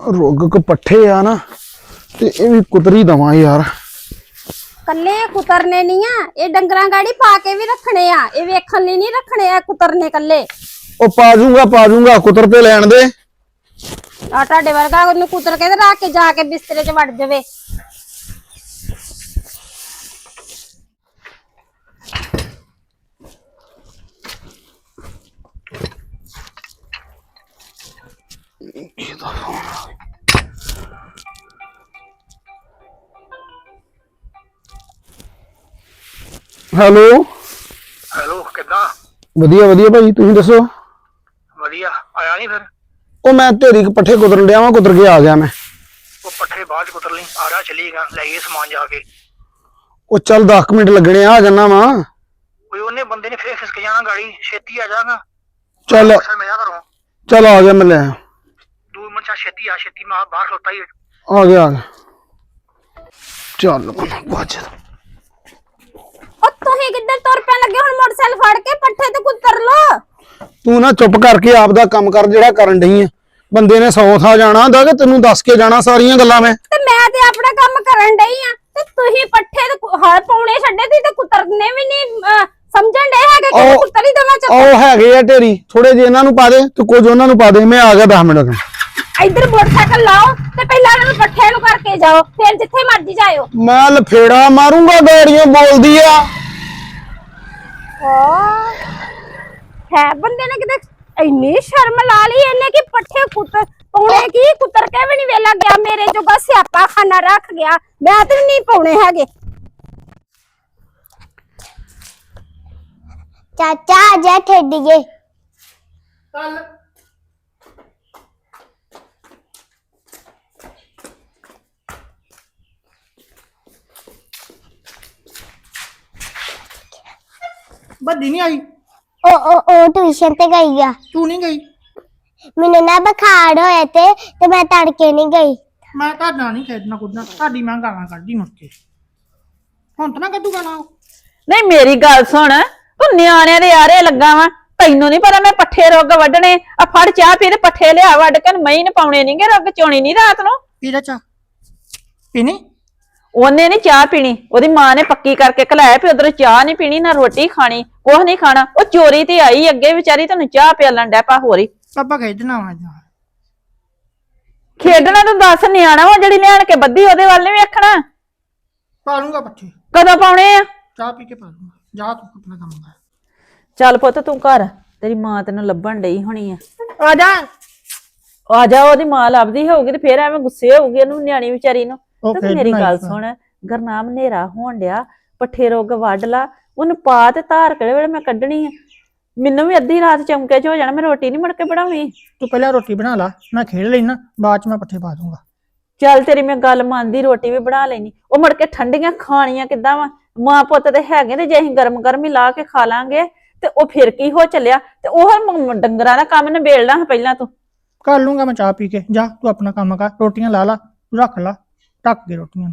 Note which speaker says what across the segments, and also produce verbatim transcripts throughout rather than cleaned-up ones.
Speaker 1: ਰੁੱਗ ਕ ਪੱਠੇ ਆ ਨਾ ਤੇ ਇਹ ਵੀ ਕੁਤਰੀ ਦਵਾਂ ਯਾਰ।
Speaker 2: ਕੱਲੇ ਕੁਤਰਨੇ ਨਹੀਂ ਆ, ਇਹ ਡੰਗਰਾਂ ਗਾੜੀ ਪਾ ਕੇ ਵੀ ਰੱਖਣੇ ਆ, ਇਹ ਵੇਖਣ ਲਈ ਨਹੀਂ ਰੱਖਣੇ ਆ ਕੁਤਰਨੇ ਕੱਲੇ।
Speaker 1: ਉਹ ਪਾ ਦੂੰਗਾ ਪਾ ਦੂੰਗਾ ਕੁਤਰ ਤੇ ਲੈਣ ਦੇ।
Speaker 2: ਆ ਤੁਹਾਡੇ ਵਰਗਾ ਉਹਨੂੰ ਕੁਤਰ ਕੇ ਤੇ ਰੱਖ ਕੇ ਜਾ ਕੇ ਬਿਸਤਰੇ 'ਚ ਵੜ ਜਾਵੇ।
Speaker 1: ਹੈਲੋ
Speaker 3: ਹੈਲੋ ਕਿੱਦਾਂ?
Speaker 1: ਵਧੀਆ ਵਧੀਆ ਭਾਈ ਤੁਸੀਂ ਦੱਸੋ।
Speaker 3: ਵਧੀਆ ਆਇਆ ਨਹੀਂ ਫਿਰ?
Speaker 1: ਉਹ ਮੈਂ ਢੇਰੀ ਪੱਠੇ ਕੁਤਰਨ ਡਿਆ ਵਾਂ, ਕੁਤਰ ਕੇ ਆ ਗਿਆ ਮੈਂ।
Speaker 3: ਉਹ ਪੱਠੇ ਬਾਅਦ ਚ ਕੁਤਰ ਲਈ, ਆ ਰਿਹਾ ਚੱਲੀਗਾ ਲੈ ਗਏ ਸਮਾਨ ਜਾ ਕੇ।
Speaker 1: ਉਹ ਚੱਲ ਦਸ ਮਿੰਟ ਲੱਗਣੇ ਆ ਜਾਣਾ ਵਾ।
Speaker 3: ਓਏ ਉਹਨੇ ਬੰਦੇ ਨੇ ਫੇਰ ਖਿਸਕ ਜਾਣਾ, ਗਾੜੀ ਛੇਤੀ ਆ ਜਾਣਾ।
Speaker 1: ਚੱਲ
Speaker 3: ਮੈਂ ਜਾ ਘਰੋਂ।
Speaker 1: ਚੱਲ ਆ ਗਿਆ ਮੈਂ ਲੈ ਆਇਆ।
Speaker 3: ਦੋ ਮਿੰਟ ਚ ਛੇਤੀ ਆ, ਛੇਤੀ ਮੈਂ ਬਾਹਰ ਖਲੋਤਾ ਹੀ।
Speaker 1: ਆ ਗਿਆ ਆ ਗਿਆ ਚੱਲ ਬਾਜ।
Speaker 2: ਉਹ ਤੁਸੀਂ ਕਿੱਧਰ ਤੁਰ ਪੈਣ ਲੱਗੇ? ਹੁਣ ਮੋਟਰਸਾਈਕਲ ਫੜ ਕੇ ਪੱਠੇ ਤੇ ਕੁਤਰ ਲੋ।
Speaker 1: ਤੂੰ ਨਾ ਚੁੱਪ ਕਰਕੇ ਆਪ ਦਾ ਕੰਮ ਕਰ ਜਿਹੜਾ ਕਰਨ ਡਈ ਆ। ਬੰਦੇ ਨੇ ਸੌ ਥਾਂ ਜਾਣਾ ਹੁੰਦਾ ਕਿ ਤੈਨੂੰ ਦੱਸ ਕੇ ਜਾਣਾ ਸਾਰੀਆਂ ਗੱਲਾਂ ਮੈਂ।
Speaker 2: ਤੇ ਮੈਂ ਤੇ ਆਪਣਾ ਕੰਮ ਕਰਨ ਡਈ ਆ ਤੇ ਤੁਸੀਂ ਪੱਠੇ ਤੇ ਹਲ ਪਾਉਣੇ ਛੱਡੇ ਤੀ ਤੇ ਕੁਤਰਨੇ ਵੀ ਨਹੀਂ ਸਮਝਣ ਡੇ ਹੈਗੇ ਕਿ ਕੁਤਰ ਹੀ ਦਵਾ ਚੱਕ।
Speaker 1: ਉਹ ਹੈਗੇ ਆ ਢੇਰੀ, ਥੋੜੇ ਜਿਹੇ ਇਹਨਾਂ ਨੂੰ ਪਾ ਦੇ ਤੇ ਕੁਝ ਉਹਨਾਂ ਨੂੰ ਪਾ ਦੇ। ਮੈਂ ਆ ਗਿਆ ਦਸ ਮਿੰਟ ਤੱਕ।
Speaker 2: ਇੱਧਰ ਮੋਟਰਸਾਈਕਲ ਲਾਓ ਤੇ ਪਹਿਲਾਂ ਇਹਨਾਂ ਨੂੰ ਪੱਠੇ ਨੂੰ ਕਰਕੇ ਜਾਓ, ਫਿਰ ਜਿੱਥੇ ਮਰਜ਼ੀ ਜਾਇਓ।
Speaker 1: ਮੈਂ ਲਫੇੜਾ ਮਾਰੂੰਗਾ, ਗਾੜੀਆਂ ਬੋਲਦੀ ਆ।
Speaker 2: ਹੈ ਬੰਦੇ ਨੇ ਕਿਤੇ ਇੰਨੀ ਸ਼ਰਮ ਲਾ ਲਈ ਇਹਨੇ ਕਿ ਪੱਠੇ ਕੁੱਤਰ ਪਾਉਣੇ ਕੀ ਕੁੱਤਰ ਕੇ ਵੀ ਨਹੀਂ ਵੇਲਾ ਗਿਆ। ਮੇਰੇ ਜੋਗਾ ਸਿਆਪਾ ਖਾਨਾ ਰੱਖ ਗਿਆ, ਮੈਂ ਤੇ ਨਹੀਂ ਪਾਉਣੇ ਹੈਗੇ।
Speaker 4: ਚਾਚਾ ਆਜਾ ਖੇਡੀਏ।
Speaker 3: ਚੱਲ ਬੱਦੀ ਨਹੀਂ ਆਈ?
Speaker 4: ਉਹ ਉਹ ਉਹ ਟਿਊਸ਼ਨ ਤੇ ਗਈ ਆ।
Speaker 3: ਤੂੰ ਨਹੀਂ ਗਈ?
Speaker 4: ਮੈਨੂੰ ਨਾ ਬੁਖਾਰ ਹੋਇਆ ਤੇ ਤੇ ਮੈਂ ਤੜਕੇ ਨਹੀਂ ਗਈ।
Speaker 3: ਮੈਂ ਤੁਹਾਡਾ ਨਹੀਂ ਖੇਡਣਾ ਕੁੱਦਣਾ, ਤੁਹਾਡੀ ਮੈਂ ਗਾਲਾਂ ਕੱਢਦੀ ਮੁੜ ਕੇ। ਹੁਣ ਤਾਂ ਨਾ ਕੱਢੂ ਗਾਲਾਂ।
Speaker 5: ਨਹੀਂ ਮੇਰੀ ਗੱਲ ਸੁਣ, ਤੂੰ ਨਿਆਣਿਆਂ ਦੇ ਆਰੇ ਲੱਗਾ ਵਾ। ਤੈਨੂੰ ਨਹੀਂ ਪਤਾ ਮੈਂ ਪੱਠੇ ਰੁੱਗ ਵੱਢਣੇ ਆ। ਫੜ ਚਾਹ ਪੀ ਤੇ ਪੱਠੇ ਲਿਆ ਵੱਢ ਕੇ ਮਹੀਂ ਨੇ ਪਾਉਣੇ ਨਹੀਂਗੇ, ਰੁੱਗ ਚੋਣੀ ਨਹੀਂ ਰਾਤ ਨੂੰ।
Speaker 3: ਪੀ ਲੈ ਚਾਹ। ਪੀਣੀ?
Speaker 5: ਉਹਨੇ ਨਹੀਂ ਚਾਹ ਪੀਣੀ, ਉਹਦੀ ਮਾਂ ਨੇ ਪੱਕੀ ਕਰਕੇ ਘਲਾਇਆ ਵੀ ਉਧਰ ਚਾਹ ਨਹੀਂ ਪੀਣੀ ਨਾ ਰੋਟੀ ਖਾਣੀ, ਕੁਛ ਨਹੀਂ ਖਾਣਾ। ਉਹ ਚੋਰੀ ਤੇ ਆਈ ਅੱਗੇ ਵਿਚਾਰੀ, ਤੈਨੂੰ ਚਾਹ ਪਿਆਲਣ ਡੈ ਪਾ ਹੋਰੀ।
Speaker 3: ਪਾਪਾ ਖੇਡਣਾ ਵਾ ਜਾ।
Speaker 5: ਖੇਡਣਾ ਤੂੰ ਦੱਸ, ਨਿਆਣਾ ਵਾ ਜਿਹੜੀ ਲਿਆਣ ਕੇ ਬੱਧੀ ਉਹਦੇ ਵੱਲ ਨੀ ਵੇਖਣਾ।
Speaker 3: ਪਾ ਲੂੰਗਾ ਪੱਠੇ,
Speaker 5: ਕਦੋਂ ਪਾਉਣੇ ਆ?
Speaker 3: ਚਾਹ ਪੀ ਕੇ ਪਾ ਲੂੰਗਾ। ਜਾ ਤੂੰ ਆਪਣਾ ਕੰਮ ਕਰ।
Speaker 5: ਚੱਲ ਪੁੱਤ ਤੂੰ ਘਰ, ਤੇਰੀ ਮਾਂ ਤੈਨੂੰ ਲੱਭਣ ਡਈ ਹੋਣੀ ਆ।
Speaker 3: ਆ ਜਾ
Speaker 5: ਆ ਜਾ, ਉਹਦੀ ਮਾਂ ਲੱਭਦੀ ਹੋਊਗੀ ਤੇ ਫੇਰ ਐਵੇਂ ਗੁੱਸੇ ਹੋਊਗੀ ਉਹਨੂੰ, ਨਿਆਣੀ ਵਿਚਾਰੀ ਨੂੰ। ਤੇ ਮੇਰੀ ਗੱਲ ਸੁਣ, ਗਰਨਾਮ ਹਨੇਰਾ ਹੋਣ ਡਿਆ, ਪੱਠੇ ਰੁੱਗ ਵੱਢ ਲਾ, ਉਹਨੂੰ ਪਾ ਤੇ ਧਾਰ ਕਿਹੜੇ ਵੇਲੇ ਮੈਂ ਕੱਢਣੀ ਆ। ਮੈਨੂੰ ਵੀ ਅੱਧੀ ਰਾਤ ਚਮਕੇ ਚ ਹੋ ਜਾਣਾ, ਮੈਂ ਰੋਟੀ ਨੀ ਮੁੜ ਕੇ ਬਣਾਉਣੀ।
Speaker 3: ਤੂੰ ਪਹਿਲਾਂ ਰੋਟੀ ਬਣਾ ਲਾ, ਮੈਂ ਖੇਡ ਲੈਣਾ, ਬਾਅਦ ਚ ਮੈਂ ਪੱਠੇ ਪਾ ਦੂੰਗਾ।
Speaker 5: ਚੱਲ ਤੇਰੀ ਮੈਂ ਗੱਲ ਮੰਨਦੀ, ਰੋਟੀ ਵੀ ਬਣਾ ਲੈਣੀ। ਉਹ ਮੁੜ ਕੇ ਠੰਡੀਆਂ ਖਾਣੀਆਂ ਕਿੱਦਾਂ ਵਾ? ਮਾਂ ਪੁੱਤ ਤੇ ਹੈਗੇ ਨੇ, ਜੇ ਅਸੀਂ ਗਰਮ ਗਰਮ ਹੀ ਲਾ ਕੇ ਖਾ ਲਾਂਗੇ ਤੇ ਉਹ ਫਿਰ ਕੀ ਹੋ ਚੱਲਿਆ। ਤੇ ਉਹ ਡੰਗਰਾਂ ਦਾ ਕੰਮ ਨਿਬੇੜ ਲਾ ਪਹਿਲਾਂ ਤੂੰ।
Speaker 3: ਕਰ ਲੂੰਗਾ ਮੈਂ ਚਾਹ ਪੀ ਕੇ। ਜਾ ਤੂੰ ਆਪਣਾ ਕੰਮ ਕਰ, ਰੋਟੀਆਂ ਲਾ ਲਾ, ਤੂੰ ਰੱਖ ਲਾ ਢੱਕ ਕੇ ਰੋਟੀਆਂ।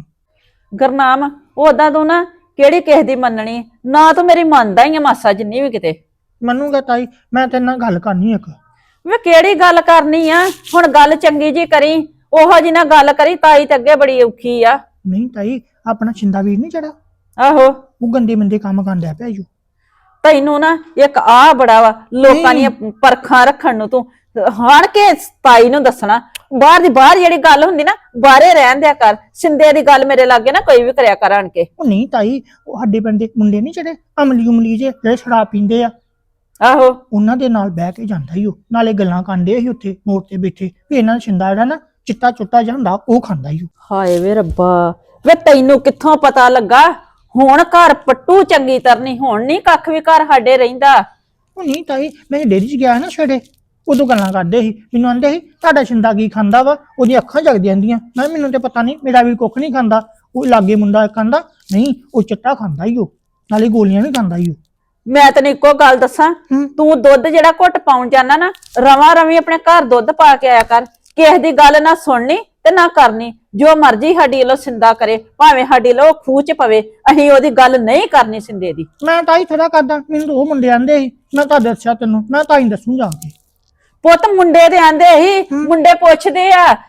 Speaker 5: ਗਰਨਾਮ ਉਹਦਾ ਤੂੰ ਨਾ ਕਿਹੜੀ ਕਿਸੇ ਦੀ ਮੰਨਣੀ ਨਾ, ਤੂੰ ਮੇਰੀ ਮੰਨਦਾ ਹੀ ਆ ਮਾਸਾ ਜਿੰਨੀ ਵੀ ਕਿਤੇ।
Speaker 3: ਮੰਨੂਗਾ ਤਾਈ, ਮੈਂ ਤੇਰੇ ਨਾਲ ਗੱਲ ਕਰਨੀ ਇੱਕ।
Speaker 5: ਵੇ ਕਿਹੜੀ ਗੱਲ ਕਰਨੀ ਆ? ਹੁਣ ਗੱਲ ਚੰਗੀ ਜੀ ਕਰੀ, ਉਹੋ ਜੀ ਨਾ ਗੱਲ ਕਰੀ। ਤਾਈ ਤੇ ਅੱਗੇ ਬੜੀ ਔਖੀ ਆ।
Speaker 3: ਨਹੀਂ ਤਾਈ, ਆਪਣਾ ਛਿੰਦਾ ਵੀਰ ਨਹੀਂ ਚੜਾ,
Speaker 5: ਆਹੋ
Speaker 3: ਉਹ ਗੰਦੇ ਮੰਦੇ ਕੰਮ ਕਰਦਾ ਪਿਆ ਈ।
Speaker 5: ਤੈਨੂੰ ਨਾ ਇੱਕ ਆ ਬੜਾ ਵਾ ਲੋਕਾਂ ਦੀਆਂ ਪਰਖਾਂ ਰੱਖਣ ਨੂੰ, ਤੂੰ ਹਾਣ ਕੇ ਤਾਈ ਨੂੰ ਦੱਸਣਾ। ਬਾਹਰ ਦੀ ਬਾਹਰ ਜਿਹੜੀ ਗੱਲ ਹੁੰਦੀ ਨਾ, ਬਾਹਰੇ ਰਹਿਣ ਦਿਆ ਕਰ। ਸਿੰਦੇ ਦੀ ਗੱਲ ਮੇਰੇ ਲਾਗੇ ਨਾ ਕੋਈ ਵੀ ਕਰਿਆ ਕਰ ਆਣ ਕੇ।
Speaker 3: ਉਹ ਨਹੀਂ ਤਾਈ, ਉਹ ਸਾਡੇ ਪਿੰਡ ਦੇ ਮੁੰਡੇ ਨਹੀਂ ਚੜੇ, ਅਮਲੀ ਉਮਲੀ ਜੇ ਜਿਹੜੇ ਸ਼ਰਾਬ ਪੀਂਦੇ ਆ,
Speaker 5: ਆਹੋ
Speaker 3: ਉਹਨਾਂ ਦੇ ਨਾਲ ਬਹਿ ਕੇ ਜਾਂਦਾ ਹੀ ਉਹ। ਨਾਲੇ ਗੱਲਾਂ ਕਰਦੇ ਸੀ ਉੱਥੇ ਮੋੜ ਤੇ ਬੈਠੇ ਵੀ ਇਹਨਾਂ ਦਾ ਛਿੰਦਾ ਜਿਹੜਾ ਨਾ ਚਿੱਟਾ ਚੁੱਟਾ ਜਿਹਾ ਹੁੰਦਾ, ਉਹ ਖਾਂਦਾ ਹੀ ਉਹ।
Speaker 5: ਹਾਏ ਵੇ ਰੱਬਾ, ਵੇ ਤੈਨੂੰ ਕਿੱਥੋਂ ਪਤਾ ਲੱਗਾ? ਹੁਣ ਘਰ ਪੱਟੂ ਚੰਗੀ ਤਰ੍ਹਾਂ, ਹੁਣ ਨਹੀਂ ਕੱਖ ਵੀ ਘਰ ਸਾਡੇ ਰਹਿੰਦਾ।
Speaker 3: ਉਹ ਨਹੀਂ ਤਾਈ, ਮੈਂ ਡੇਰੀ ਚ ਗਿਆ ਨਾ ਛੜੇ, ਉਦੋਂ ਗੱਲਾਂ ਕਰਦੇ ਸੀ, ਮੈਨੂੰ ਆਂਦੇ ਸੀ ਤੁਹਾਡਾ ਛਿੰਦਾ ਕੀ ਖਾਂਦਾ ਵਾ, ਉਹਦੀਆਂ ਅੱਖਾਂ ਜਗ ਜਾਂਦੀਆਂ। ਮੈਂ ਮੈਨੂੰ ਤੇ ਪਤਾ ਨਹੀਂ, ਮੇਰਾ ਵੀ ਕੁੱਖ ਨਹੀਂ ਖਾਂਦਾ। ਉਹ ਲਾਗੇ ਮੁੰਡਾ ਕਹਿੰਦਾ ਨਹੀਂ ਉਹ ਚਿੱਟਾ ਖਾਂਦਾ ਹੀ ਉਹ, ਨਾਲੇ ਗੋਲੀਆਂ ਵੀ ਖਾਂਦਾ ਹੀ ਉਹ।
Speaker 5: ਮੈਂ ਤੈਨੂੰ ਇੱਕੋ ਗੱਲ ਦੱਸਾਂ, ਤੂੰ ਦੁੱਧ ਜਿਹੜਾ ਘੁੱਟ ਪਾਉਣ ਜਾਣਾ ਨਾ, ਰਵਾਂ ਰਵੀ ਆਪਣੇ ਘਰ ਦੁੱਧ ਪਾ ਕੇ ਆਇਆ ਕਰ। ਕਿਸੇ ਦੀ ਗੱਲ ਨਾ ਸੁਣਨੀ ਤੇ ਨਾ ਕਰਨੀ। ਜੋ ਮਰਜੀ ਸਾਡੀ ਵੱਲੋਂ ਸਿੰਦਾ ਕਰੇ, ਭਾਵੇਂ ਸਾਡੀ ਵੱਲੋਂ ਖੂਹ ਚ ਪਵੇ, ਅਸੀਂ ਉਹਦੀ ਗੱਲ ਨਹੀਂ ਕਰਨੀ ਸਿੰਦੇ ਦੀ।
Speaker 3: ਮੈਂ ਤਾਈ ਥੋੜਾ ਕਰਦਾ, ਮੈਨੂੰ ਉਹ ਮੁੰਡੇ ਆਂਦੇ ਸੀ, ਮੈਂ ਤਾਂ ਦੱਸਿਆ ਤੈਨੂੰ, ਮੈਂ ਤਾਂ ਹੀ ਦੱਸੂ ਜਾ ਕੇ।
Speaker 5: ਪੁੱਤ ਮੁੰਡੇ ਦੇ ਆਂਦੇ ਹੀ, ਮੁੰਡੇ ਪੁੱਛਦੇ ਆ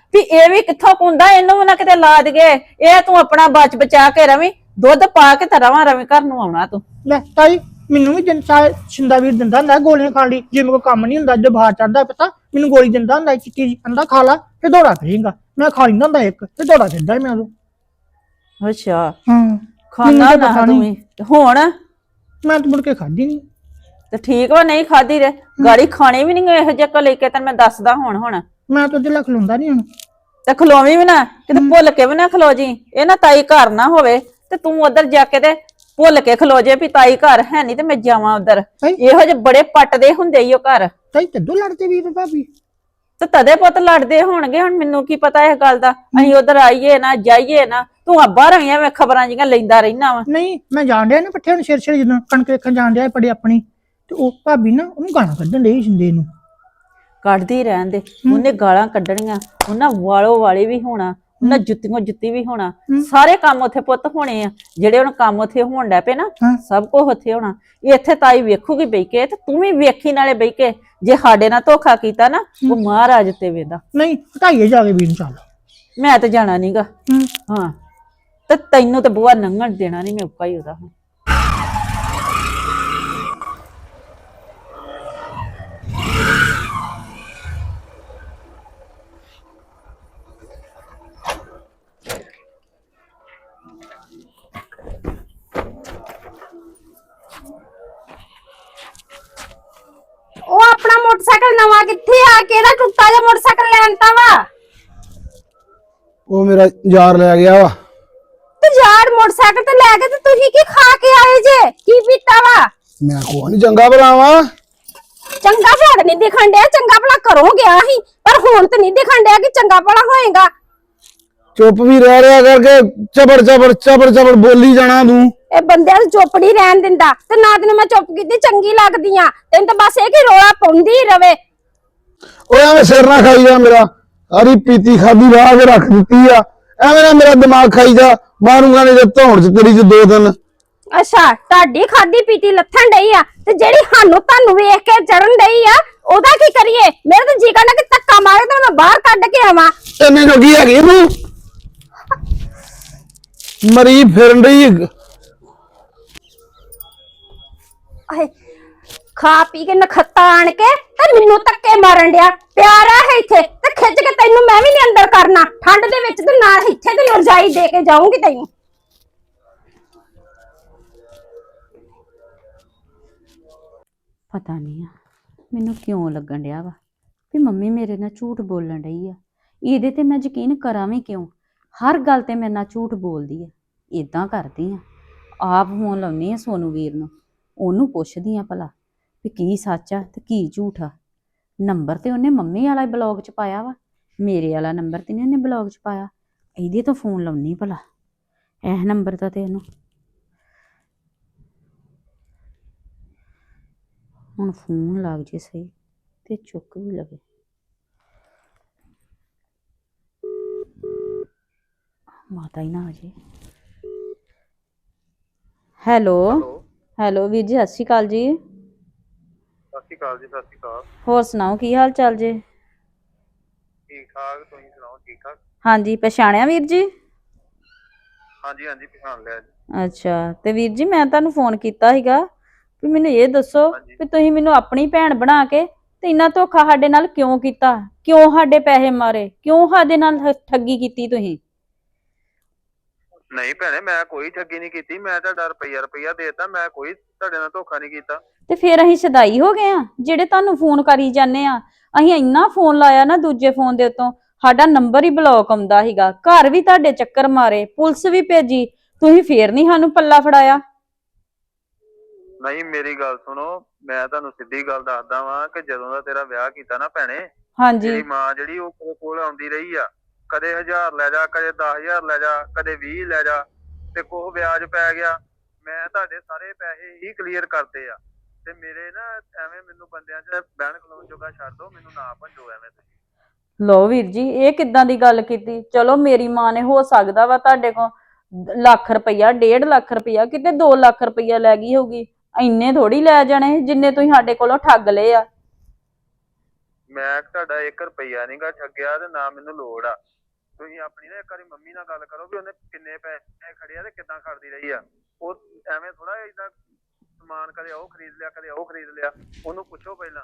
Speaker 5: ਵੀ ਇਹ ਵੀ ਕਿੱਥੋਂ ਕੁੰਦਾ, ਇਹਨੂੰ ਵੀ ਨਾ ਕਿਤੇ ਲਾ ਦਈਏ। ਇਹ ਤੂੰ ਆਪਣਾ ਬਚ ਬਚਾ ਕੇ ਰਵੀਂ, ਦੁੱਧ ਪਾ ਕੇ ਤਾਂ ਰਵਾਂ ਰਵੀਂ ਘਰ ਨੂੰ ਆਉਣਾ ਤੂੰ।
Speaker 3: ਲੈ ਤਾਈ ਮੈਨੂੰ ਵੀ ਜਿੰਨ ਛਿੰਦਾ ਵੀਰ ਦਿੰਦਾ ਹੁੰਦਾ ਗੋਲੀਆਂ ਖਾਣ ਲਈ, ਜੇ ਮੇਰੇ ਕੋਲ ਕੰਮ ਨਹੀਂ ਹੁੰਦਾ, ਜੇ ਬਾਹਰ ਚੜਦਾ ਪਤਾ ਮੈਨੂੰ ਗੋਲੀ ਦਿੰਦਾ ਹੁੰਦਾ ਚਿੱਟੀ ਜੀ, ਕਹਿੰਦਾ ਖਾ ਲਾ ਤੇ ਦੌੜਾ ਫਿਰੇਂਗਾ। ਮੈਂ ਖਾ ਲੈਂਦਾ ਹੁੰਦਾ ਇੱਕ ਤੇ ਦੌੜਾ ਫਿਰਦਾ ਮੈਂ ਉਦੋਂ।
Speaker 5: ਅੱਛਾ
Speaker 3: ਹਾਂ
Speaker 5: ਖਾਣਾ ਨਾ ਤੂੰ ਵੀ। ਹੁਣ
Speaker 3: ਮੈਂ ਤਾਂ ਮੁੜ ਕੇ ਖਾਧੀ ਨਹੀਂ।
Speaker 5: ਤੇ ਠੀਕ ਵਾ, ਨਹੀਂ ਖਾਦੀ ਰੇ ਗਾੜੀ ਖਾਣੀ ਵੀ ਨਹੀਂ ਇਹੋ ਜਿਹਾ ਕੋ ਲੈ ਕੇ, ਤੈਨੂੰ ਮੈਂ ਦੱਸਦਾ ਹੁਣ। ਹੁਣ
Speaker 3: ਮੈਂ ਤਾਂ ਉਹਦੇ ਲੱਖ ਲੁੰਦਾ ਨਹੀਂ ਹੁਣ।
Speaker 5: ਤੇ ਖਲੋਵੀਂ ਵੀ ਨਾ ਕਿਤੇ, ਭੁੱਲ ਕੇ ਵੀ ਨਾ ਖਲੋ ਜੀ। ਇਹ ਨਾ ਤਾਈ ਘਰ ਨਾ ਹੋਵੇ ਤੇ ਤੂੰ ਉਧਰ ਜਾ ਕੇ ਤੇ ਭੁੱਲ ਕੇ ਖਲੋ ਜੇ ਵੀ ਤਾਈ ਘਰ ਹੈ ਨਹੀਂ ਤੇ ਮੈਂ ਜਾਵਾਂ ਉਧਰ। ਇਹੋ ਜਿਹੇ ਬੜੇ ਪੱਟਦੇ ਹੁੰਦੇ ਈ ਉਹ ਘਰ।
Speaker 3: ਤਾਈ ਤਦੋਂ ਲੜਦੇ ਵੀਰ ਭਾਬੀ?
Speaker 5: ਤੇ ਤਦੇ ਪੁੱਤ ਲੜਦੇ ਹੋਣਗੇ। ਹੁਣ ਮੈਨੂੰ ਕੀ ਪਤਾ ਇਸ ਗੱਲ ਦਾ, ਅਸੀਂ ਉਧਰ ਆਈਏ ਨਾ ਜਾਈਏ ਨਾ। ਤੂੰ ਅੱਬਾ ਰਹੀਆਂ ਮੈਂ ਖਬਰਾਂ ਜੀਆਂ ਲੈਂਦਾ ਰਹਿਣਾ ਵਾ।
Speaker 3: ਨਹੀਂ ਮੈਂ ਜਾਣ ਡਿਆ ਨਾ ਪੱਠੇ ਹੁਣ ਸਿਰ ਸਿਰ ਜਦੋਂ ਕਣਕ ਵੇਖਣ ਜਾਣ ਡਿਆ ਪੜੇ ਆਪਣੀ, ਤੇ ਉਹ ਭਾਬੀ ਨਾ ਉਹਨੂੰ ਗਾਲਾਂ ਕੱਢਣ ਡਈ ਸਿੰਦੇ ਨੂੰ।
Speaker 5: ਕੱਢਦੀ ਰਹਿਣ ਦੇ, ਉਹਨੇ ਗਾਲਾਂ ਕੱਢਣੀਆਂ, ਉਹਨਾਂ ਵਾਲੋ ਵਾਲੇ ਵੀ ਹੋਣਾ, ਉਹਨਾਂ ਜੁੱਤੀਆਂ ਜੁੱਤੀ ਵੀ ਹੋਣਾ। ਸਾਰੇ ਕੰਮ ਉੱਥੇ ਪੁੱਤ ਹੋਣੇ ਆ ਜਿਹੜੇ ਹੁਣ ਕੰਮ ਉੱਥੇ ਹੋਣ ਡੈ ਪਏ ਨਾ, ਸਭ ਕੁਝ ਉੱਥੇ ਹੋਣਾ। ਇੱਥੇ ਤਾਈ ਵੇਖੂਗੀ ਬਈ ਕੇ, ਤੇ ਤੂੰ ਵੀ ਵੇਖੀ ਨਾਲੇ ਬਈ ਕੇ। ਜੇ ਸਾਡੇ ਨਾਲ ਧੋਖਾ ਕੀਤਾ ਨਾ, ਉਹ ਮਹਾਰਾਜ ਤੇ ਵੇਂਦਾ।
Speaker 3: ਨਹੀਂ ਹਟਾਈਏ ਜਾ ਕੇ ਵੀਰ ਨੂੰ। ਚੱਲ
Speaker 5: ਮੈਂ ਤੇ ਜਾਣਾ ਨੀਗਾ। ਹਾਂ ਤੇ ਤੈਨੂੰ ਤੇ ਬੂਆ ਨੰਗਣ ਦੇਣਾ ਨਹੀਂ ਮੈਂ ਉੱਕਾ ਹੀ ਉਹਦਾ। ਹੁਣ
Speaker 2: ਉਹ ਆਪਣਾ ਮੋਟਰਸਾਈਕਲ ਨਵਾਂ ਕਿੱਥੇ ਆ? ਕਿਹੜਾ ਟੁੱਟਾ ਜਿਹਾ ਮੋਟਰਸਾਈਕਲ ਲੈਣਤਾ ਵਾ?
Speaker 1: ਉਹ ਮੇਰਾ ਯਾਰ ਲੈ ਗਿਆ ਵਾ।
Speaker 2: ਤੇ ਯਾਰ ਮੋਟਰਸਾਈਕਲ ਤੇ ਲੈ ਕੇ ਤੇ ਤੁਸੀਂ ਕੀ ਖਾ ਕੇ ਆਏ ਜੇ? ਕੀ ਪੀਤਾ ਵਾ?
Speaker 1: ਮੈਂ ਕੋ ਨਹੀਂ ਚੰਗਾ ਭਲਾਵਾ।
Speaker 2: ਚੰਗਾ ਭਲਾ ਨਹੀਂ ਦਿਖਣ ਡਿਆ, ਚੰਗਾ ਭਲਾ ਘਰੋਂ ਗਿਆ ਸੀ, ਪਰ ਹੁਣ ਤੇ ਨਹੀਂ ਦਿਖਣ ਡਿਆ ਕਿ ਚੰਗਾ ਭਲਾ ਹੋਏਗਾ।
Speaker 1: ਚੁੱਪ ਵੀ ਰਹਿ ਰਿਹਾ ਕਰਕੇ ਚਬੜ ਚਬੜ ਚਬੜ ਚਬੜ ਬੋਲੀ ਜਾਣਾ ਤੂੰ।
Speaker 2: ਇਹ ਬੰਦਿਆਂ ਨੂੰ ਚੁੱਪ ਨਹੀਂ ਰਹਿਣ ਦਿੰਦਾ, ਤੇ ਨਾ ਤੈਨੂੰ ਮੈਂ ਚੁੱਪ ਕੀਤੀ ਚੰਗੀ ਲੱਗਦੀ ਆ। ਤੈਨੂੰ ਤਾਂ ਬਸ ਇਹ ਕਿ ਰੋਲਾ ਪਾਉਂਦੀ ਹੀ ਰਵੇ।
Speaker 1: ਓਏ ਐਵੇਂ ਸਿਰ ਨਾ ਖਾਈ ਜਾ ਮੇਰਾ। ਸਾਰੀ ਪੀਤੀ ਖਾਦੀ ਵਾਹ ਕੇ ਰੱਖ ਦਿੱਤੀ ਆ। ਐਵੇਂ ਨਾ ਮੇਰਾ ਦਿਮਾਗ ਖਾਈ ਜਾ, ਮਾਰੂੰਗਾ ਨਹੀਂ ਤੇ ਧੌਣ ਚ ਤੇਰੀ ਚ ਦੋ ਦਿਨ।
Speaker 2: ਅੱਛਾ ਤੁਹਾਡੀ ਖਾਦੀ ਪੀਤੀ ਲੱਥਣ ਡਈ ਆ, ਤੇ ਜਿਹੜੀ ਸਾਨੂੰ ਤੁਹਾਨੂੰ ਵੇਖ ਕੇ ਚੜਨ ਡਈ ਆ, ਉਹਦਾ ਕੀ ਕਰੀਏ? ਮੇਰੇ ਤਾਂ ਜੀ ਕਰਦਾ ਕਿ ਧੱਕਾ ਮਾਰੇ ਤੇ ਮੈਂ ਬਾਹਰ ਕੱਢ ਕੇ ਆਵਾਂ।
Speaker 1: ਇੰਨੇ ਜੋਗੀ ਹੈਗੀ ਤੂੰ? ਮਰੀ ਫਿਰਨ ਡਈ।
Speaker 2: ਆਏ ਖਾ ਪੀ ਕੇ ਨਖੱਤਾ ਆਣ ਕੇ ਤੇ ਮੈਨੂੰ ਧੱਕੇ ਮਾਰਨ ਡਿਆ। ਪਿਆਰਾ ਹੈ ਇੱਥੇ ਤੇ ਖਿੱਚ ਕੇ ਤੈਨੂੰ ਮੈਂ ਵੀ ਨਹੀਂ ਅੰਦਰ ਕਰਨਾ। ਠੰਡ ਦੇ ਵਿੱਚ ਤੇ ਨਾਲ ਇੱਥੇ ਤੇ ਰਜਾਈ ਦੇ ਕੇ ਜਾਊਂਗੀ ਤੈਨੂੰ।
Speaker 6: ਪਤਾ ਨਹੀਂ ਆ ਮੈਨੂੰ ਕਿਉਂ ਲੱਗਣ ਡਿਆ ਵਾ ਵੀ ਮੰਮੀ ਮੇਰੇ ਨਾਲ ਝੂਠ ਬੋਲਣ ਡਈ ਆ। ਇਹਦੇ ਤੇ ਮੈਂ ਯਕੀਨ ਕਰਾਂ ਵੀ ਕਿਉਂ? ਹਰ ਗੱਲ ਤੇ ਮੇਰੇ ਨਾਲ ਝੂਠ ਬੋਲਦੀ ਆ। ਇਦਾਂ ਕਰਦੀ ਆ, ਆਪ ਫੋਨ ਲਾਉਣੀ ਆ ਸੋਨੂ ਵੀਰ ਨੂੰ, ਉਹਨੂੰ ਪੁੱਛਦੀ ਆ ਭਲਾ ਵੀ ਕੀ ਸੱਚ ਆ ਤੇ ਕੀ ਝੂਠ ਆ। ਨੰਬਰ ਤੇ ਉਹਨੇ ਮੰਮੀ ਵਾਲਾ ਬਲੌਗ ਚ ਪਾਇਆ ਵਾ, ਮੇਰੇ ਵਾਲਾ ਨੰਬਰ ਤੇ ਨਹੀਂ ਉਹਨੇ ਬਲੌਗ ਚ ਪਾਇਆ। ਇਹਦੇ ਤੋਂ ਫੋਨ ਲਾਉਣੀ ਭਲਾ, ਇਹ ਨੰਬਰ ਦਾ ਤੇ ਇਹਨੂੰ ਹੁਣ ਫੋਨ ਲੱਗ ਜੇ ਸਹੀ ਤੇ ਚੁੱਕ ਵੀ ਲਵੇ। ਮਾਤਾ ਹੀ ਨਾ ਆ ਜੇ। ਹੈਲੋ ਹੈਲੋ ਵੀਰ ਜੀ, ਸਤਿ ਸ਼੍ਰੀ ਅਕਾਲ ਜੀ।
Speaker 7: ਸਤਿ ਸ਼੍ਰੀ ਅਕਾਲ ਜੀ। ਸਤਿ ਸ਼੍ਰੀ ਅਕਾਲ।
Speaker 6: ਹੋਰ ਸੁਣਾਓ ਕੀ ਹਾਲ ਚਾਲ ਜੇ?
Speaker 7: ਠੀਕ ਠਾਕ, ਤੁਸੀਂ ਸੁਣਾਓ? ਠੀਕ ਠਾਕ।
Speaker 6: ਹਾਂਜੀ ਪਛਾਣਿਆ ਵੀਰ ਜੀ?
Speaker 7: ਹਾਂਜੀ ਹਾਂਜੀ ਪਛਾਣ ਲਿਆ ਜੀ।
Speaker 6: ਅੱਛਾ ਤੇ ਵੀਰ ਜੀ ਮੈਂ ਤੁਹਾਨੂੰ ਫੋਨ ਕੀਤਾ ਸੀਗਾ ਵੀ ਮੈਨੂੰ ਇਹ ਦੱਸੋ ਵੀ ਤੁਸੀਂ ਮੈਨੂੰ ਆਪਣੀ ਭੈਣ ਬਣਾ ਕੇ ਤੇ ਇੰਨਾ ਧੋਖਾ ਸਾਡੇ ਨਾਲ ਕਿਉਂ ਕੀਤਾ? ਕਿਉਂ ਸਾਡੇ ਪੈਸੇ ਮਾਰੇ? ਕਿਉਂ ਸਾਡੇ ਨਾਲ ਠੱਗੀ ਕੀਤੀ ਤੁਸੀਂ?
Speaker 7: ਨਹੀਂ ਭੈਣੇ, ਮੈਂ ਕੋਈ ਠੱਗੀ ਨਹੀਂ ਕੀਤੀ। ਮੈਂ ਤੁਹਾਡਾ ਰੁਪਈਆ ਰੁਪਈਆ ਦੇਤਾ, ਮੈਂ ਕੋਈ ਤੁਹਾਡੇ ਨਾਲ ਧੋਖਾ ਨਹੀਂ ਕੀਤਾ।
Speaker 6: ਤੇ ਫਿਰ ਅਸੀਂ ਸਦਾਈ ਹੋ ਗਏ ਆ ਜਿਹੜੇ ਤੁਹਾਨੂੰ ਫੋਨ ਕਰੀ ਜਾਂਦੇ ਆ। ਅਸੀਂ ਇੰਨਾ ਫੋਨ ਲਾਇਆ ਨਾ ਦੂਜੇ ਫੋਨ ਦੇ ਉੱਤੋਂ, ਸਾਡਾ ਨੰਬਰ ਹੀ ਬਲੌਕ ਆਉਂਦਾ ਸੀਗਾ। ਘਰ ਵੀ ਤੁਹਾਡੇ ਚੱਕਰ ਮਾਰੇ, ਪੁਲਿਸ ਵੀ ਭੇਜੀ, ਤੁਸੀਂ ਫੇਰ ਨਹੀਂ ਸਾਨੂੰ ਪੱਲਾ ਫੜਾਇਆ।
Speaker 7: ਨਹੀਂ ਮੇਰੀ ਗੱਲ ਸੁਣੋ, ਮੈਂ ਤੁਹਾਨੂੰ ਸਿੱਧੀ ਗੱਲ ਦੱਸਦਾ ਵਾਂ ਕਿ ਜਦੋਂ ਦਾ ਤੇਰਾ ਵਿਆਹ ਕੀਤਾ ਨਾ ਭੈਣੇ,
Speaker 6: ਹਾਂਜੀ
Speaker 7: ਤੇਰੀ ਮਾਂ ਜਿਹੜੀ ਉਹ ਕੋਲ ਕੋਲ ਆਉਂਦੀ ਰਹੀ ਆ। ਕਦੇ ਹਜ਼ਾਰ ਲੈ ਜਾ, ਕਦੇ ਦਸ ਹਜ਼ਾਰ ਲੈ ਜਾ, ਕਦੇ ਵੀਹ ਲੈ ਜਾ, ਤੇ ਕੋਹ ਵਿਆਜ ਪੈ ਗਿਆ। ਮੈਂ ਤੁਹਾਡੇ ਸਾਰੇ ਪੈਸੇ ਹੀ ਕਲੀਅਰ ਕਰਤੇ ਆ। ਤੇ ਮੇਰੇ ਨਾ ਐਵੇਂ ਮੈਨੂੰ ਬੰਦਿਆਂ 'ਚ ਬਹਿਣ ਖਲੋਣ ਜੋਗਾ ਛੱਡ ਦੋ, ਮੈਨੂੰ ਨਾ ਭੰਜੋ ਐਵੇਂ ਤੁਸੀਂ।
Speaker 6: ਲੋ ਵੀਰ ਜੀ, ਇਹ ਕਿੱਦਾਂ ਦੀ ਗੱਲ ਕੀਤੀ? ਚਲੋ ਮੇਰੀ ਮਾਂ ਨੇ ਹੋ ਸਕਦਾ ਵਾ ਤੁਹਾਡੇ ਕੋਲ ਲੱਖ ਰੁਪਈਆ, ਡੇਢ ਲੱਖ ਰੁਪਈਆ, ਕਿਤੇ ਦੋ ਲੱਖ ਰੁਪਈਆ ਲੈ ਗਈ ਹੋਊਗੀ। ਇੰਨੇ ਥੋੜੀ ਲੈ ਜਾਣੇ ਜਿੰਨੇ ਤੁਸੀਂ ਸਾਡੇ ਕੋਲੋਂ ਠੱਗ ਲਏ ਆ।
Speaker 7: ਮੈਂ ਤੁਹਾਡਾ ਇੱਕ ਰੁਪਈਆ ਨਹੀਂਗਾ ਠੱਗਿਆ ਤੇ ਨਾ ਮੈਨੂੰ ਲੋੜ ਆ। ਤੁਸੀਂ ਆਪਣੀ ਨਾ ਇੱਕ ਵਾਰੀ ਮੰਮੀ ਨਾਲ ਗੱਲ ਕਰੋ ਵੀ ਉਹਨੇ ਕਿੰਨੇ ਪੈਸੇ ਖੜੇ ਆ ਤੇ ਕਿੱਦਾਂ ਖੜਦੀ ਰਹੀ ਆ। ਉਹ ਐਵੇਂ ਥੋੜਾ ਏਦਾਂ ਸਮਾਨ ਕਦੇ ਉਹ ਖਰੀਦ ਲਿਆ ਕਦੇ ਉਹ ਖਰੀਦ ਲਿਆ। ਉਹਨੂੰ ਪੁੱਛੋ ਪਹਿਲਾਂ।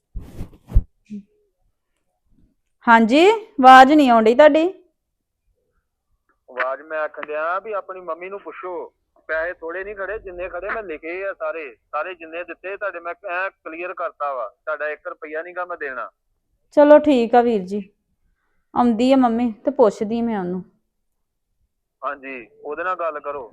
Speaker 5: ਹਾਂਜੀ, ਆਵਾਜ਼ ਨਹੀਂ ਆਉਂਦੀ ਤੁਹਾਡੀ।
Speaker 7: ਆਵਾਜ਼ ਮੈਂ ਆਖਣ ਡਿਆ ਵੀ ਆਪਣੀ ਮੰਮੀ ਨੂੰ ਪੁੱਛੋ। ਪੈਸੇ ਥੋੜੇ ਨਹੀਂ ਖੜੇ, ਜਿੰਨੇ ਖੜੇ ਮੈਂ ਲਿਖੇ ਆ ਸਾਰੇ ਸਾਰੇ ਜਿੰਨੇ ਦਿੱਤੇ ਤੁਹਾਡੇ ਮੈਂ ਐ ਕਲੀਅਰ ਕਰਤਾ ਵਾ। ਤੁਹਾਡਾ ਇੱਕ ਰੁਪਈਆ ਨਹੀਂਗਾ ਮੈਂ ਦੇਣਾ।
Speaker 5: ਚਲੋ ਠੀਕ ਆ ਵੀਰ ਜੀ, ਆਉਂਦੀ ਆ ਮੰਮੀ ਤੇ ਪੁੱਛਦੀ ਮੈਂ ਉਹਨੂੰ।
Speaker 7: ਹਾਂਜੀ, ਉਹਦੇ ਨਾਲ ਗੱਲ ਕਰੋ।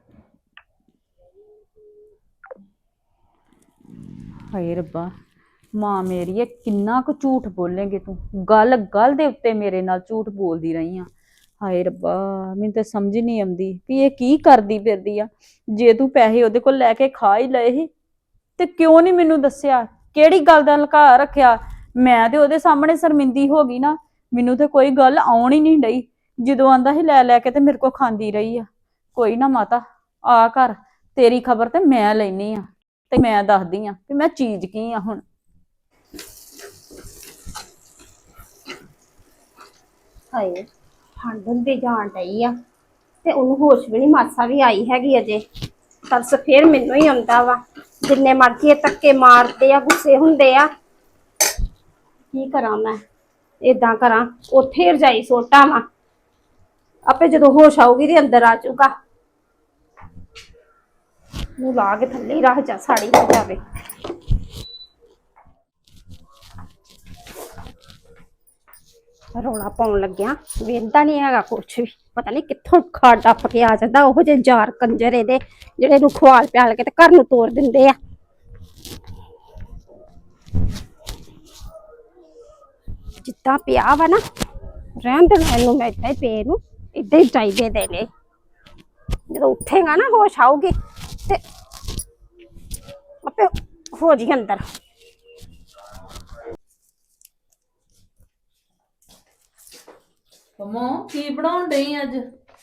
Speaker 6: ਹਾਏ ਰੱਬਾ, ਮਾਂ ਮੇਰੀ ਇਹ ਕਿੰਨਾ ਕੁ ਝੂਠ ਬੋਲੇਂਗੇ ਤੂੰ? ਗੱਲ ਗੱਲ ਦੇ ਉੱਤੇ ਮੇਰੇ ਨਾਲ ਝੂਠ ਬੋਲਦੀ ਰਹੀ ਆ। ਹਾਏ ਰੱਬਾ, ਮੈਨੂੰ ਤਾਂ ਸਮਝ ਨਹੀਂ ਆਉਂਦੀ ਵੀ ਇਹ ਕੀ ਕਰਦੀ ਫਿਰਦੀ ਆ। ਜੇ ਤੂੰ ਪੈਸੇ ਉਹਦੇ ਕੋਲ ਲੈ ਕੇ ਖਾ ਹੀ ਲਏ ਸੀ ਤੇ ਕਿਉਂ ਨਹੀਂ ਮੈਨੂੰ ਦੱਸਿਆ? ਕਿਹੜੀ ਗੱਲ ਦਾ ਲੁਕਾ ਰੱਖਿਆ? ਮੈਂ ਤੇ ਉਹਦੇ ਸਾਹਮਣੇ ਸ਼ਰਮਿੰਦੀ ਹੋ ਗਈ ਨਾ। ਮੈਨੂੰ ਤੇ ਕੋਈ ਗੱਲ ਆਉਣ ਹੀ ਨਹੀਂ ਡਈ। ਜਦੋਂ ਆਂਦਾ ਸੀ ਲੈ ਲੈ ਕੇ ਤੇ ਮੇਰੇ ਕੋਲ ਖਾਂਦੀ ਰਹੀ ਆ। ਕੋਈ ਨਾ ਮਾਤਾ, ਆ ਘਰ ਤੇਰੀ ਖਬਰ ਤੇ ਮੈਂ ਲੈਣੀ ਆ ਤੇ ਮੈਂ ਦੱਸਦੀ ਆ ਕਿ ਮੈਂ ਚੀਜ਼ ਕੀ ਆ। ਹੁਣ
Speaker 2: ਹਾਏ, ਠੰਡ ਹੁੰਦੀ ਜਾਣ ਡਈ ਆ ਤੇ ਉਹਨੂੰ ਹੋਸ਼ ਵੀ ਨਹੀਂ ਮਾਸਾ ਵੀ ਆਈ ਹੈਗੀ ਅਜੇ। ਤਰਸ ਫੇਰ ਮੈਨੂੰ ਹੀ ਆਉਂਦਾ ਵਾ। ਜਿੰਨੇ ਮਰਜ਼ੀ ਇਹ ਧੱਕੇ ਮਾਰਦੇ ਆ, ਗੁੱਸੇ ਹੁੰਦੇ ਆ। ਕੀ ਕਰਾਂ ਮੈਂ? ਏਦਾਂ ਕਰਾਂ ਉੱਥੇ ਰਜਾਈ ਸੋਟਾਂ ਵਾ, ਆਪੇ ਜਦੋਂ ਹੋਸ਼ ਆਊਗੀ ਤੇ ਅੰਦਰ ਆ ਜਾਊਗਾ। ਨੂੰ ਲਾ ਕੇ ਥੱਲੇ ਹੀ ਰੱਖ ਜਾ, ਸਾੜੀ ਹੋ ਜਾਵੇ। ਰੌਲਾ ਪਾਉਣ ਲੱਗਿਆ ਵੇਂਦਾ ਨਹੀਂ ਹੈਗਾ ਕੁਛ ਵੀ। ਪਤਾ ਨਹੀਂ ਕਿੱਥੋਂ ਖਾ ਟੱਪ ਕੇ ਆ ਜਾਂਦਾ। ਉਹੋ ਜਿਹੇ ਯਾਰ ਕੰਜਰ ਇਹਦੇ ਜਿਹੜੇ ਨੂੰ ਖਵਾਲ ਪਿਆਲ ਕੇ ਤੇ ਘਰ ਨੂੰ ਤੋੜ ਦਿੰਦੇ ਆ। ਜਿੱਦਾਂ ਪਿਆ ਵਾ ਨਾ, ਰਹਿਣ ਦੇ ਇਹਨੂੰ। ਮੈਂ ਏਦਾਂ ਹੀ ਪਏ ਨੂੰ ਏਦਾਂ ਹੀ ਚਾਹੀਦੇ ਦੇਣੇ। ਜਦੋਂ ਉੱਠੇਗਾ ਨਾ, ਹੋਸ਼ ਆਊਗੀ ਤੇ ਆਪੇ ਹੋ ਜੀ ਅੰਦਰ।
Speaker 8: ਮੰਮੋ ਕੀ ਬਣਾਉਣ ਡਈ ਅੱਜ?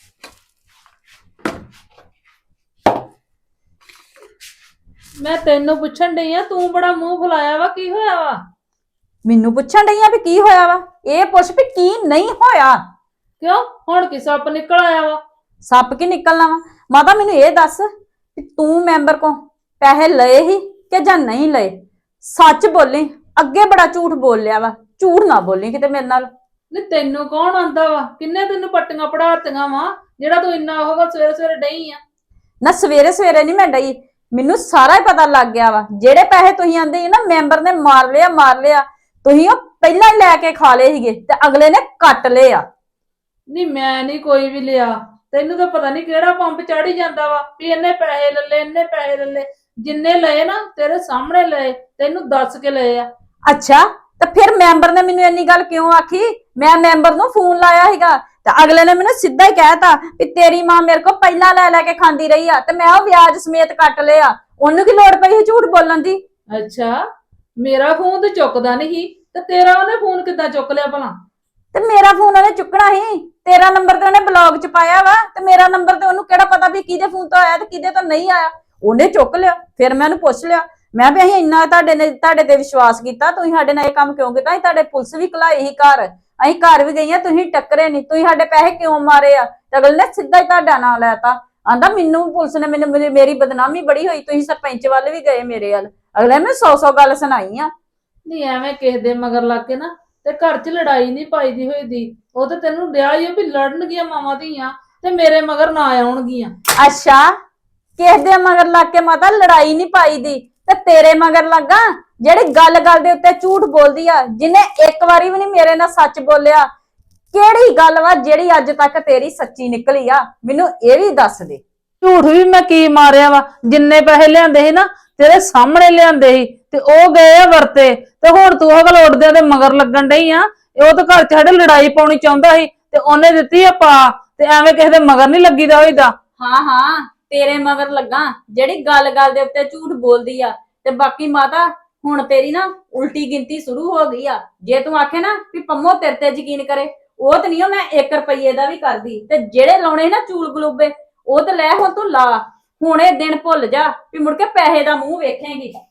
Speaker 8: ਮੈਂ ਤੈਨੂੰ ਪੁੱਛਣ ਡਈ ਆ, ਤੂੰ ਬੜਾ ਮੂੰਹ ਫੁਲਾਇਆ ਵਾ, ਕੀ ਹੋਇਆ ਵਾ?
Speaker 5: ਮੈਨੂੰ ਪੁੱਛਣ ਡਈ ਆ ਵੀ ਕੀ ਹੋਇਆ ਵਾ? ਇਹ ਪੁੱਛ ਵੀ ਕੀ ਨਹੀਂ ਹੋਇਆ।
Speaker 8: ਕਿਉਂ ਹੁਣ ਕੀ ਸੱਪ ਨਿਕਲ ਆਇਆ ਵਾ?
Speaker 5: ਸੱਪ ਕੀ ਨਿਕਲਣਾ ਵਾ? ਮਾਤਾ ਮੈਨੂੰ ਇਹ ਦੱਸ ਵੀ ਤੂੰ ਮੈਂਬਰ ਕੋ ਪੈਸੇ ਲਏ ਹੀ ਕਿ ਜਾਂ ਨਹੀਂ ਲਏ? ਸੱਚ ਬੋਲੀ। ਅੱਗੇ ਬੜਾ ਝੂਠ ਬੋਲ ਲਿਆ ਵਾ। ਝੂਠ ਨਾ ਬੋਲੀ ਕਿਤੇ ਮੇਰੇ ਨਾਲ।
Speaker 8: ਨਹੀਂ ਤੈਨੂੰ ਕੌਣ ਆਂਦਾ ਵਾ? ਕਿੰਨੇ ਤੈਨੂੰ ਪੱਟੀਆਂ ਪੜਾਤੀਆਂ ਵਾ ਜਿਹੜਾ ਤੂੰ ਇੰਨਾ ਹੋਗਾ ਸਵੇਰੇ ਸਵੇਰੇ ਡਈ ਆ?
Speaker 5: ਨਾ ਸਵੇਰੇ ਸਵੇਰੇ ਨਹੀਂ ਮੈਂ ਡਈ, ਮੈਨੂੰ ਸਾਰਾ ਹੀ ਪਤਾ ਲੱਗ ਗਿਆ ਵਾ। ਜਿਹੜੇ ਪੈਸੇ ਤੁਸੀਂ ਆਂਦੇ ਸੀ ਨਾ ਮੈਂਬਰ ਨੇ ਮਾਰ ਲਿਆ ਮਾਰ ਲਿਆ, ਤੁਸੀਂ ਉਹ ਪਹਿਲਾਂ ਹੀ ਲੈ ਕੇ ਖਾ ਲਏ ਸੀਗੇ ਤੇ ਅਗਲੇ ਨੇ ਕੱਟ ਲਏ ਆ।
Speaker 8: ਨਹੀਂ ਮੈਂ ਨਹੀਂ ਕੋਈ ਵੀ ਲਿਆ। ਤੈਨੂੰ ਤਾਂ ਪਤਾ ਨਹੀਂ ਕਿਹੜਾ ਪੰਪ ਚੜੀ ਜਾਂਦਾ ਵਾ ਵੀ ਇਹਨੇ ਪੈਸੇ ਲੱਲੇ ਇਹਨੇ ਪੈਸੇ ਲੱਲੇ। ਜਿੰਨੇ ਲਏ ਨਾ ਤੇਰੇ ਸਾਹਮਣੇ ਲਏ, ਤੈਨੂੰ ਦੱਸ ਕੇ ਲਏ ਆ।
Speaker 5: ਅੱਛਾ, ਤੇ ਫਿਰ ਮੈਂਬਰ ਨੇ ਮੈਨੂੰ ਇੰਨੀ ਗੱਲ ਕਿਉਂ ਆਖੀ? ਮੈਂ ਮੈਂਬਰ ਨੂੰ ਫੋਨ ਲਾਇਆ ਸੀਗਾ ਤੇ ਅਗਲੇ ਨੇ ਮੈਨੂੰ ਸਿੱਧਾ ਹੀ ਕਹਿਤਾ ਵੀ ਤੇਰੀ ਮਾਂ ਮੇਰੇ ਕੋਲ ਪਹਿਲਾਂ ਲੈ ਲੈ ਕੇ ਖਾਂਦੀ ਰਹੀ ਆ ਤੇ ਮੈਂ ਉਹ ਵਿਆਜ ਸਮੇਤ ਕੱਟ ਲਿਆ। ਉਹਨੂੰ ਕੀ ਲੋੜ ਪਈ ਸੀ ਝੂਠ ਬੋਲਣ ਦੀ?
Speaker 8: ਅੱਛਾ, ਮੇਰਾ ਫੋਨ ਤੇ ਚੁੱਕਦਾ ਨਹੀਂ ਤੇ ਤੇਰਾ ਉਹਨੇ ਫੋਨ ਕਿੱਦਾਂ ਚੁੱਕ ਲਿਆ ਭਲਾ?
Speaker 5: ਤੇ ਮੇਰਾ ਫੋਨ ਉਹਨੇ ਚੁੱਕਣਾ ਸੀ। ਤੇਰਾ ਨੰਬਰ ਤੇ ਉਹਨੇ ਬਲੌਗ ਚ ਪਾਇਆ ਵਾ ਤੇ ਮੇਰਾ ਨੰਬਰ ਤੇ ਉਹਨੂੰ ਕਿਹੜਾ ਪਤਾ ਵੀ ਕਿਹਦੇ ਫੋਨ ਤੋਂ ਆਇਆ ਤੇ ਕਿਹਦੇ ਤੋਂ ਨਹੀਂ ਆਇਆ। ਉਹਨੇ ਚੁੱਕ ਲਿਆ। ਫਿਰ ਮੈਂ ਉਹਨੂੰ ਪੁੱਛ ਲਿਆ, ਮੈਂ ਵੀ ਅਸੀਂ ਇੰਨਾ ਤੁਹਾਡੇ ਨੇ ਤੁਹਾਡੇ ਤੇ ਵਿਸ਼ਵਾਸ ਕੀਤਾ, ਤੁਸੀਂ ਸਾਡੇ ਨਾਲ ਇਹ ਕੰਮ ਕਿਉਂ ਕੀਤਾ? ਅਸੀਂ ਤੁਹਾਡੇ ਪੁਲਿਸ ਵੀ ਘਲਾਈ ਸੀ ਘਰ, ਅਸੀਂ ਘਰ ਵੀ ਗਈਆਂ, ਤੁਸੀਂ ਟੱਕਰੇ ਨਹੀਂ, ਤੁਸੀਂ ਸਾਡੇ ਪੈਸੇ ਕਿਉਂ ਮਾਰੇ ਆ? ਤੇ ਅਗਲੇ ਨੇ ਸਿੱਧਾ ਹੀ ਤੁਹਾਡਾ ਨਾਂ ਲੈਤਾ। ਆਂਦਾ ਮੈਨੂੰ ਪੁਲਿਸ ਨੇ ਮੈਨੂੰ ਮੇਰੀ ਬਦਨਾਮੀ ਬੜੀ ਹੋਈ, ਤੁਸੀਂ ਸਰਪੰਚ ਵੱਲ ਵੀ ਗਏ ਮੇਰੇ ਵੱਲ। ਅਗਲੇ ਨੇ ਸੌ ਸੌ ਗੱਲ ਸੁਣਾਈ ਆ।
Speaker 8: ਨਹੀਂ ਐਵੇਂ ਕਿਸੇ ਦੇ ਮਗਰ ਲੱਗ ਕੇ ਨਾ ਤੇ ਘਰ 'ਚ ਲੜਾਈ ਨਹੀਂ ਪਾਈਦੀ ਹੋਈ ਦੀ। ਉਹ ਤੇ ਤੈਨੂੰ ਡਿਆ ਹੀ ਵੀ ਲੜਨਗੀਆਂ ਮਾਵਾਂ ਧੀਆਂ ਤੇ ਮੇਰੇ ਮਗਰ ਨਾ ਆਉਣਗੀਆਂ।
Speaker 5: ਅੱਛਾ, ਕਿਸ ਦੇ ਮਗਰ ਲੱਗ ਕੇ ਮਾਤਾ ਲੜਾਈ ਨਹੀਂ ਪਾਈ ਦੀ ਤੇ ਤੇਰੇ ਮਗਰ ਲੱਗਾ ਜਿਹੜੀ ਗੱਲ ਗੱਲ ਦੇ ਉੱਤੇ ਝੂਠ ਬੋਲਦੀ ਆ, ਜਿਹਨੇ ਇੱਕ ਵਾਰੀ ਵੀ ਨਹੀਂ ਮੇਰੇ ਨਾਲ ਸੱਚ ਬੋਲਿਆ। ਕਿਹੜੀ ਗੱਲ ਵਾ ਜਿਹੜੀ ਅੱਜ ਤੱਕ ਤੇਰੀ ਸੱਚੀ ਨਿਕਲੀ ਆ? ਮੈਨੂੰ ਇਹ ਵੀ ਦੱਸ ਦੇ।
Speaker 8: ਝੂਠ ਵੀ ਮੈਂ ਕੀ ਮਾਰਿਆ ਵਾ? ਜਿੰਨੇ ਪੈਸੇ ਲਿਆਂਦੇ ਸੀ ਨਾ ਤੇਰੇ ਸਾਹਮਣੇ ਲਿਆਂਦੇ ਸੀ ਤੇ ਉਹ ਗਏ ਆ ਵਰਤੇ, ਤੇ ਹੁਣ ਤੂੰ ਉਹ ਗੱਲ ਉੱਡਦਿਆਂ ਦੇ ਮਗਰ ਲੱਗਣ ਡਈ ਆ। ਉਹ ਤਾਂ ਘਰ 'ਚ ਸਾਡੇ ਲੜਾਈ ਪਾਉਣੀ ਚਾਹੁੰਦਾ ਸੀ ਤੇ ਉਹਨੇ ਦਿੱਤੀ ਆ ਪਾ, ਤੇ ਐਵੇਂ ਕਿਸੇ ਦੇ ਮਗਰ ਨਹੀਂ ਲੱਗੀਦਾ ਹੋਈਦਾ।
Speaker 5: ਹਾਂ ਹਾਂ, ਤੇਰੇ ਮਗਰ ਲੱਗਾ ਜਿਹੜੀ ਗੱਲ ਗੱਲ ਦੇ ਉੱਤੇ ਝੂਠ ਬੋਲਦੀ ਆ। ਤੇ ਬਾਕੀ ਮਾਤਾ ਹੁਣ ਤੇਰੀ ਨਾ ਉਲਟੀ ਗਿਣਤੀ ਸ਼ੁਰੂ ਹੋ ਗਈ ਆ। ਜੇ ਤੂੰ ਆਖੇ ਨਾ ਵੀ ਪੰਮੋ ਤੇਰੇ ਤੇ ਯਕੀਨ ਕਰੇ, ਉਹ ਤੇ ਨਹੀਂ ਮੈਂ ਇੱਕ ਰੁਪਈਏ ਦਾ ਵੀ ਕਰਦੀ। ਤੇ ਜਿਹੜੇ ਲਾਉਣੇ ਨਾ ਚੂਲ ਗਲੂਬੇ ਉਹ ਤੇ ਲੈ ਹੁਣ ਤੂੰ ਲਾ। ਹੁਣ ਇਹ ਦਿਨ ਭੁੱਲ ਜਾ ਵੀ ਮੁੜ ਕੇ ਪੈਸੇ ਦਾ ਮੂੰਹ ਵੇਖੇਂਗੀ।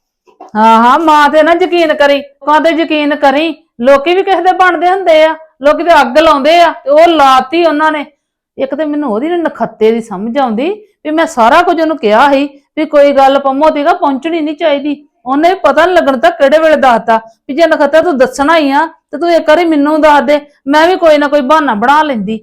Speaker 8: ਹਾਂ ਹਾਂ ਮਾਂ ਤੇ ਨਾ ਯਕੀਨ ਕਰੀ, ਮਾਂ ਤੇ ਯਕੀਨ ਕਰੀ। ਲੋਕੀ ਵੀ ਕਿਸੇ ਦੇ ਬਣਦੇ ਹੁੰਦੇ ਆ, ਲੋਕੀ ਤੇ ਅੱਗ ਲਾਉਂਦੇ ਆ ਤੇ ਉਹ ਲਾਤੀ ਉਹਨਾਂ ਨੇ। ਇੱਕ ਤੇ ਮੈਨੂੰ ਉਹਦੀ ਨਖੱਤੇ ਦੀ ਸਮਝ ਆਉਂਦੀ ਵੀ ਮੈਂ ਸਾਰਾ ਕੁਝ ਉਹਨੂੰ ਕਿਹਾ ਸੀ ਵੀ ਕੋਈ ਗੱਲ ਪੰਮੋ ਤੀਗਾ ਪਹੁੰਚਣੀ ਨਹੀਂ ਚਾਹੀਦੀ। ਉਹਨੇ ਵੀ ਪਤਾ ਨੀ ਲੱਗਣ ਤਾਂ ਕਿਹੜੇ ਵੇਲੇ ਦੱਸਤਾ ਵੀ ਜੇ ਨਖੱਤਾ ਤੂੰ ਦੱਸਣਾ ਹੀ ਆ ਤੇ ਤੂੰ ਇੱਕ ਵਾਰੀ ਮੈਨੂੰ ਦੱਸ ਦੇ, ਮੈਂ ਵੀ ਕੋਈ ਨਾ ਕੋਈ ਬਹਾਨਾ ਬਣਾ ਲੈਂਦੀ।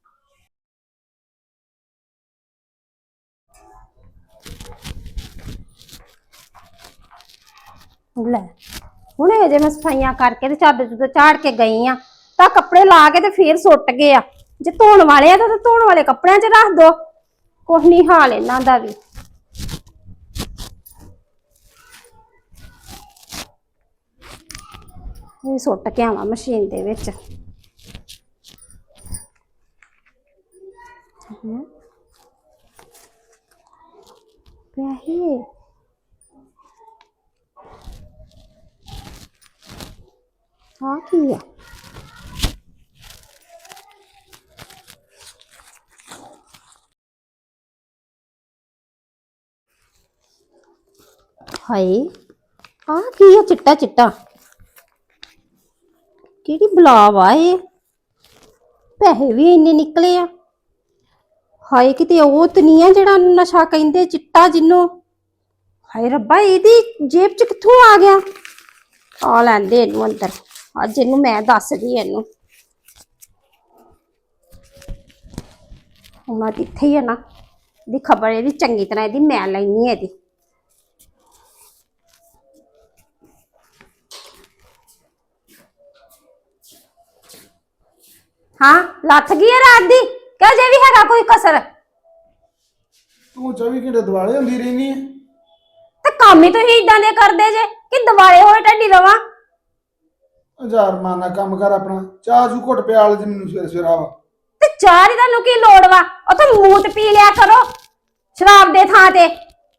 Speaker 2: ਲੈ ਹੁਣੇ ਅਜੇ ਮੈਂ ਸਫਾਈਆਂ ਕਰਕੇ ਤੇ ਚਾਦਰ ਚੁੱਦਰ ਝਾੜ ਕੇ ਗਈ ਆ ਤਾਂ ਕੱਪੜੇ ਲਾ ਕੇ ਤੇ ਫੇਰ ਸੁੱਟ ਗਏ ਆ। ਜੇ ਧੋਣ ਵਾਲੇ ਆ ਤਾਂ ਧੋਣ ਵਾਲੇ ਕੱਪੜਿਆਂ 'ਚ ਰੱਖ ਦੋ, ਕੁਛ ਨਹੀਂ ਹਾਲ ਇਹਨਾਂ ਦਾ ਵੀ। ਇਹ ਸੁੱਟ ਕੇ ਆਵਾਂ ਮਸ਼ੀਨ ਦੇ ਵਿੱਚ। ਪੈਸੇ ਹਾਂ ਕੀ ਆ? ਹਾਏ ਆ ਕੀ ਆ? ਚਿੱਟਾ ਚਿੱਟਾ ਕਿਹੜੀ ਬਲਾ ਵਾ ਇਹ? ਪੈਸੇ ਵੀ ਇੰਨੇ ਨਿਕਲੇ ਆ। ਹਾਏ ਕਿਤੇ ਉਹ ਤੇ ਨਹੀਂ ਆ ਜਿਹੜਾ ਨਸ਼ਾ ਕਹਿੰਦੇ ਚਿੱਟਾ ਜਿਹਨੂੰ। ਹਾਏ ਰੱਬਾ ਇਹਦੀ ਜੇਬ ਚ ਕਿੱਥੋਂ ਆ ਗਿਆ? ਆ ਲੈਂਦੇ ਇਹਨੂੰ ਅੰਦਰ, ਅੱਜ ਇਹਨੂੰ ਮੈਂ ਦੱਸਦੀ ਇਹਨੂੰ। ਉਹਨਾਂ ਦੀ ਇੱਥੇ ਹੀ ਆ ਨਾ, ਇਹਦੀ ਖਬਰ ਇਹਦੀ ਚੰਗੀ ਤਰ੍ਹਾਂ ਇਹਦੀ ਮੈਂ ਲੈਣੀ ਹੈ ਇਹਦੀ। ਹਾਂ ਲੱਥ ਗਈ ਹੈ ਰਾਤ ਦੀ ਕਿ ਅਜੇ ਵੀ ਹੈਗਾ ਕੋਈ ਕਸਰ?
Speaker 1: ਤੂੰ ਚੌਵੀ ਘੰਟੇ ਦਿਵਾਲੇ ਹੁੰਦੀ ਰਹਿਨੀ ਹੈ
Speaker 2: ਤੇ ਕੰਮ ਹੀ ਤੁਸੀਂ ਇਦਾਂ ਦੇ ਕਰਦੇ ਜੇ ਕਿ ਦਿਵਾਲੇ ਹੋਏ ਢੱਡੀ ਰਵਾਂ।
Speaker 1: ਹਜ਼ਾਰ ਮਾਨਾ ਕੰਮ ਕਰ ਆਪਣਾ। ਚਾਹ ਜੂ ਘੁੱਟ ਪਿਆਲ ਜੀ ਮੈਨੂੰ ਸਵੇਰ ਸਵੇਰਾ ਵਾ।
Speaker 2: ਤੇ ਚਾਹ ਦੀ ਤੁਹਾਨੂੰ ਕੀ ਲੋੜ ਵਾ? ਉਹ ਤਾਂ ਮੂਤ ਪੀ ਲਿਆ ਕਰੋ ਸ਼ਰਾਬ ਦੇ ਥਾਂ ਤੇ।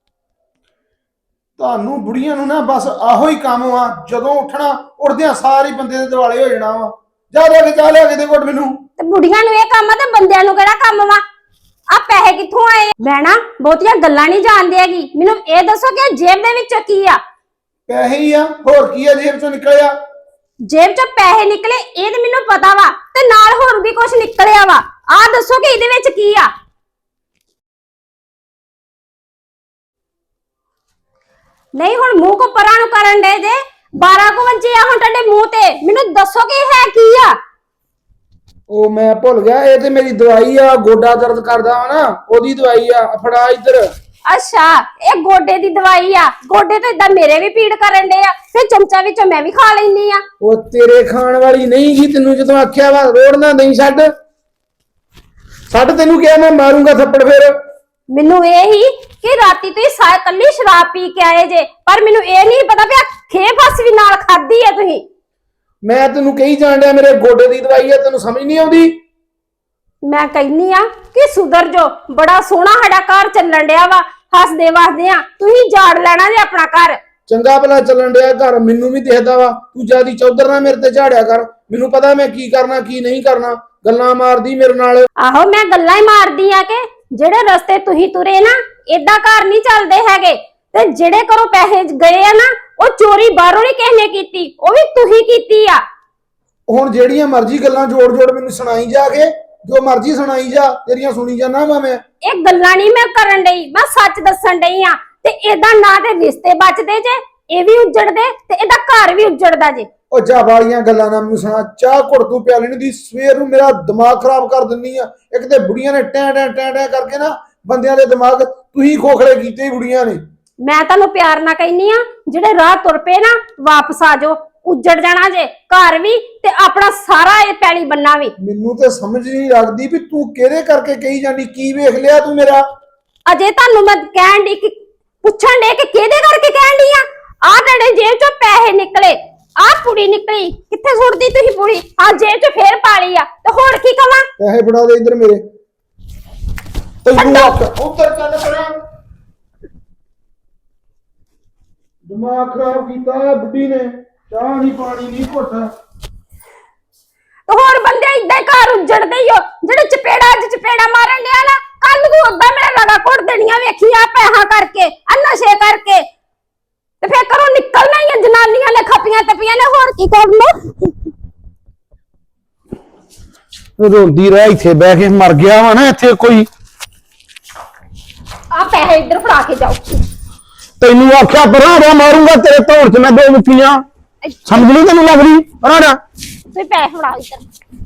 Speaker 1: ਤੁਹਾਨੂੰ ਬੁੜੀਆਂ ਨੂੰ ਨਾ ਬਸ ਆਹੋ ਹੀ ਕੰਮ ਆ, ਜਦੋਂ ਉੱਠਣਾ ਉੱਠਦਿਆਂ ਸਾਰੇ ਬੰਦੇ ਦੇ ਦਿਵਾਲੇ ਹੋ ਜਾਣਾ ਵਾ। ਜਾ ਜਾ ਕੇ ਚਾਹ ਲਿਆ ਕੇ ਦੇ ਘੁੱਟ ਮੈਨੂੰ।
Speaker 2: ਤੇ ਬੁੜੀਆਂ ਨੂੰ ਇਹ ਕੰਮ ਆ ਤੇ ਬੰਦਿਆਂ ਨੂੰ ਕਿਹੜਾ ਕੰਮ ਵਾ? ਆ ਪੈਸੇ ਕਿੱਥੋਂ ਆਏ? ਮੈਂ ਨਾ ਬਹੁਤੀਆਂ ਗੱਲਾਂ ਨਹੀਂ ਜਾਣਦੀ ਹੈਗੀ, ਮੈਨੂੰ ਇਹ ਦੱਸੋ ਕਿ ਜੇਬ ਦੇ ਵਿੱਚ ਕੀ ਆ?
Speaker 1: ਪੈਸੇ ਹੀ ਆ, ਹੋਰ ਕੀ ਆ ਜੇਬ ਚੋਂ ਨਿਕਲਿਆ?
Speaker 2: ਜੇਬ ਚੋਂ ਪੈਸੇ ਨਿਕਲੇ ਇਹ ਤੇ ਮੈਨੂੰ ਪਤਾ ਵਾ, ਤੇ ਨਾਲ ਹੋਰ ਵੀ ਕੁਝ ਨਿਕਲਿਆ ਵਾ। ਆ ਦੱਸੋ ਕਿ ਇਹਦੇ ਵਿੱਚ ਕੀ ਆ? ਨਹੀਂ ਹੁਣ ਮੂੰਹ ਕੋ ਪਰਾਂ ਨੂੰ ਕਰਨ ਦੇ ਜੇ। ਬਾਰਾਂ ਕੋ ਵਜੇ ਆ ਹੁਣ ਤੁਹਾਡੇ ਮੂੰਹ ਤੇ, ਮੈਨੂੰ ਦੱਸੋ ਕਿ ਇਹ ਹੈ ਕੀ ਆ?
Speaker 1: ਉਹ ਮੈਂ ਭੁੱਲ ਗਿਆ, ਇਹ ਤੇ ਮੇਰੀ ਦਵਾਈ ਆ, ਗੋਡਾ ਦਰਦ ਕਰਦਾ ਵਾ ਨਾ ਉਹਦੀ ਦਵਾਈ ਆ। ਫੜਾ ਇੱਧਰ।
Speaker 2: ਅੱਛਾ ਇਹ ਗੋਡੇ ਦੀ ਦਵਾਈ ਆ? ਗੋਡੇ ਤਾਂ ਇਦਾਂ ਮੇਰੇ ਵੀ ਪੀੜ ਕਰਨ ਦੇ ਆ, ਫਿਰ ਚਮਚਾ ਵਿੱਚੋਂ ਮੈਂ ਵੀ ਖਾ ਲੈਂਦੀ ਆ।
Speaker 1: ਉਹ ਤੇਰੇ ਖਾਣ ਵਾਲੀ ਨਹੀਂ ਗੀ, ਤੈਨੂੰ ਜਦੋਂ ਆਖਿਆ ਵਾ ਰੋੜ ਨਾ ਨਹੀਂ ਛੱਡ ਛੱਡ। ਤੈਨੂੰ ਕਿਹਾ ਮੈਂ ਮਾਰੂੰਗਾ ਥੱਪੜ ਫੇਰ।
Speaker 2: ਮੈਨੂੰ ਇਹ ਹੀ ਕਿ ਰਾਤੀ ਤੁਸੀਂ ਸਾਇ ਕੱਲੀ ਸ਼ਰਾਬ ਪੀ ਕੇ ਆਏ ਜੇ, ਪਰ ਮੈਨੂੰ ਇਹ ਨਹੀਂ ਪਤਾ ਵੀ ਆ ਖੇ ਫਸ ਵੀ ਨਾਲ ਖਾਦੀ ਆ ਤੁਸੀਂ।
Speaker 1: ਮੈਂ ਤੈਨੂੰ ਕਹੀ ਜਾਣ ਡਿਆ ਮੇਰੇ ਗੋਡੇ ਦੀ ਦਵਾਈ ਆ, ਤੈਨੂੰ ਸਮਝ ਨਹੀਂ ਆਉਂਦੀ?
Speaker 2: ਮੈਂ ਕਹਿੰਨੀ ਆ ਕਿ ਸੁਧਰ ਜੋ। ਬੜਾ ਸੋਹਣਾ ਸਾਡਾ ਘਰ ਚੱਲਣ ਡਿਆ ਵਾ, ਹੱਸਦੇ ਵਸਦੇ ਆ, ਤੁਸੀਂ ਝਾੜ ਲੈਣਾ ਜੇ ਆਪਣਾ ਘਰ।
Speaker 1: ਚੰਗਾ ਭਲਾ ਚੱਲਣ ਡਿਆ ਘਰ, ਮੈਨੂੰ ਵੀ ਦਿਖਦਾ ਵਾ। ਤੂੰ ਜਿਆਦੀ ਚੌਧਰ ਨਾ ਮੇਰੇ ਤੇ ਝਾੜਿਆ ਕਰ, ਮੈਨੂੰ ਪਤਾ ਮੈਂ ਕੀ ਕਰਨਾ ਕੀ ਨਹੀਂ ਕਰਨਾ। ਗੱਲਾਂ ਮਾਰਦੀ ਮੇਰੇ ਨਾਲ।
Speaker 2: ਆਹੋ ਮੈਂ ਗੱਲਾਂ ਹੀ ਮਾਰਦੀ ਆ ਕਿ ਜਿਹੜੇ ਰਸਤੇ ਤੁਸੀਂ ਤੁਰੇ ਨਾ ਏਦਾਂ ਘਰ ਨਹੀਂ ਚੱਲਦੇ ਹੈਗੇ। ਤੇ ਜਿਹੜੇ ਘਰੋਂ ਪੈਸੇ ਗਏ ਆ ਨਾ ਉਹ ਚੋਰੀ ਬਾਹਰੋਂ ਨਹੀਂ ਕਿਸੇ ਨੇ ਕੀਤੀ, ਉਹ ਵੀ ਤੁਸੀਂ ਕੀਤੀ ਆ।
Speaker 1: ਹੁਣ ਜਿਹੜੀਆਂ ਮਰਜ਼ੀ ਗੱਲਾਂ ਜੋੜ ਜੋੜ ਮੈਨੂੰ ਸੁਣਾਈ ਜਾ ਕੇ, ਜੋ ਮਰਜ਼ੀ ਸੁਣਾਈ ਜਾ, ਤੇਰੀਆਂ ਸੁਣੀ ਜਾਣਾ ਵਾ ਮੈਂ।
Speaker 2: ਇਹ ਗੱਲਾਂ ਨਹੀਂ ਮੈਂ ਕਰਨ ਡਈ, ਮੈਂ ਸੱਚ ਦੱਸਣ ਡਈ ਆ। ਤੇ ਇਹਦਾ ਨਾ ਤੇ ਰਿਸ਼ਤੇ ਬਚਦੇ ਜੇ, ਇਹ ਵੀ ਉਜੜਦੇ ਤੇ ਇਹਦਾ ਘਰ ਵੀ ਉਜੜਦਾ ਜੇ।
Speaker 1: ਉਹ ਜਾ ਵਾਲੀਆਂ ਗੱਲਾਂ ਨਾ ਮੈਨੂੰ ਸੁਣਾ। ਚਾਹ ਘੁੱਟ ਤੂੰ ਪਿਆ ਲੈਣੀ ਦੀ, ਸਵੇਰ ਨੂੰ ਮੇਰਾ ਦਿਮਾਗ ਖਰਾਬ ਕਰ ਦਿੰਨੀ ਆ। ਇੱਕ ਤੇ ਬੁੜੀਆਂ ਨੇ ਟੈਂ ਟੈਂ ਟੈਂ ਟੈਂ ਕਰਕੇ ਨਾ ਬੰਦਿਆਂ ਦੇ ਦਿਮਾਗ ਤੁਸੀਂ ਖੋਖਲੇ ਕੀਤੇ ਹੀ ਬੁੜੀਆਂ ਨੇ।
Speaker 2: ਮੈਂ ਤੁਹਾਨੂੰ ਪਿਆਰ ਨਾਲ ਕਹਿੰਨੀ ਆ, ਜਿਹੜੇ ਰਾਹ ਤੁਰ ਪਏ ਨਾ ਵਾਪਸ ਆ ਜਾਓ, ਉਜੜ ਜਾਣਾ ਜੇ ਘਰ ਵੀ ਤੇ ਆਪਣਾ ਸਾਰਾ ਇਹ ਪੈਲੀ ਬੰਨਾ ਵੀ।
Speaker 1: ਮੈਨੂੰ ਤੇ ਸਮਝ ਨਹੀਂ ਲੱਗਦੀ ਵੀ ਤੂੰ ਕਿਹਦੇ ਕਰਕੇ ਕਹੀ ਜਾਂਦੀ। ਕੀ ਵੇਖ ਲਿਆ ਤੂੰ ਮੇਰਾ?
Speaker 2: ਅਜੇ ਤੁਹਾਨੂੰ ਮੈਂ ਕਹਿਣ ਦੀ ਪੁੱਛਣ ਦੇ ਕਿ ਕਿਹਦੇ ਕਰਕੇ ਕਹਿਣ ਦੀ ਆ? ਆ ਤੁਹਾਡੇ ਜੇਬ ਚੋਂ ਪੈਸੇ ਨਿਕਲੇ, ਆ ਪੁੜੀ ਨਿਕਲੀ, ਕਿੱਥੇ ਸੁੱਟਦੀ ਤੁਸੀਂ ਪੁੜੀ? ਆ ਜੇਬ ਚ ਫੇਰ ਪਾ ਲਈ ਆ, ਤੇ ਹੋਰ ਕੀ ਕਵਾਂ?
Speaker 1: ਪੈਸੇ ਫੜਾ ਦੇ ਇੱਧਰ ਮੇਰੇ। ਤੈਨੂੰ ਉੱਧਰ ਚੱਲ ਪੜਾ। ਦਿਮਾਗ ਖਰਾਬ ਕੀਤਾ ਬੁੱਢੀ ਨੇ। ਚਾਹ ਨਹੀਂ ਪਾਣੀ ਨਹੀਂ ਘੁੱਟ।
Speaker 2: ਤੇ ਹੋਰ ਬੰਦੇ ਇਦਾਂ ਹੀ ਘਰ ਉਜੜਦੇ ਹੀ ਹੋ, ਜਿਹੜੇ ਚਪੇੜਾ ਅੱਜ ਚਪੇੜਾ ਮਾਰਨ ਡਿਆ ਨਾ, ਕੱਲ ਨੂੰ ਉਦਾਂ ਮੇਰਾ ਲਗਾ ਘੁੱਟ ਦੇਣੀਆਂ ਵੇਖੀ ਆ ਪੈਸਾ ਕਰਕੇ, ਆ ਨਸ਼ੇ ਕਰਕੇ। ਤੇ ਫੇਰ ਘਰੋਂ ਨਿਕਲਣਾ ਹੀ ਆ, ਜਨਾਨੀਆਂ ਨੇ ਖੱਪੀਆਂ ਤਪੀਆਂ ਨੇ, ਹੋਰ ਕੀ ਕਰਨਾ।
Speaker 1: ਰੋਂਦੀ ਰਹਿ ਇੱਥੇ ਬਹਿ ਕੇ, ਮਰ ਗਿਆ ਵਾ ਨਾ ਇੱਥੇ ਕੋਈ।
Speaker 2: ਆ ਪੈਸੇ ਇੱਧਰ ਫੜਾ ਕੇ ਜਾਓ।
Speaker 1: ਤੈਨੂੰ ਆਖਿਆ ਪਰਾਂ ਮਾਰੂੰਗਾ ਤੇਰੇ ਧੌਣ 'ਚ ਮੈਂ ਦੋ ਮੁੱਠੀਆਂ, ਸਮਝ ਨਹੀਂ ਤੈਨੂੰ ਲੱਗ ਰਹੀ ਪਰਾਂ।
Speaker 2: ਤੁਸੀਂ ਪੈਸੇ ਫੜਾ ਇੱਧਰ।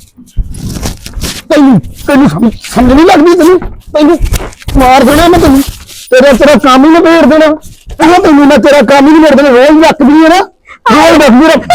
Speaker 1: ਤੈਨੂੰ ਤੈਨੂੰ ਸਮਝ ਨਹੀਂ ਲੱਗਦੀ, ਤੈਨੂੰ ਤੈਨੂੰ ਮਾਰ ਦੇਣਾ ਮੈਂ ਤੈਨੂੰ, ਤੇਰਾ ਤੇਰਾ ਕੰਮ ਹੀ ਨਿਬੇੜ ਦੇਣਾ। ਉਹ ਤੈਨੂੰ ਮੈਂ ਤੇਰਾ ਕੰਮ ਹੀ ਨਿਬੇੜ ਦੇਣਾ, ਰੋਜ਼ ਰੱਖਦੀ ਹੈ ਨਾ, ਰੋਜ਼ ਰੱਖਦੀ ਰੱਖ।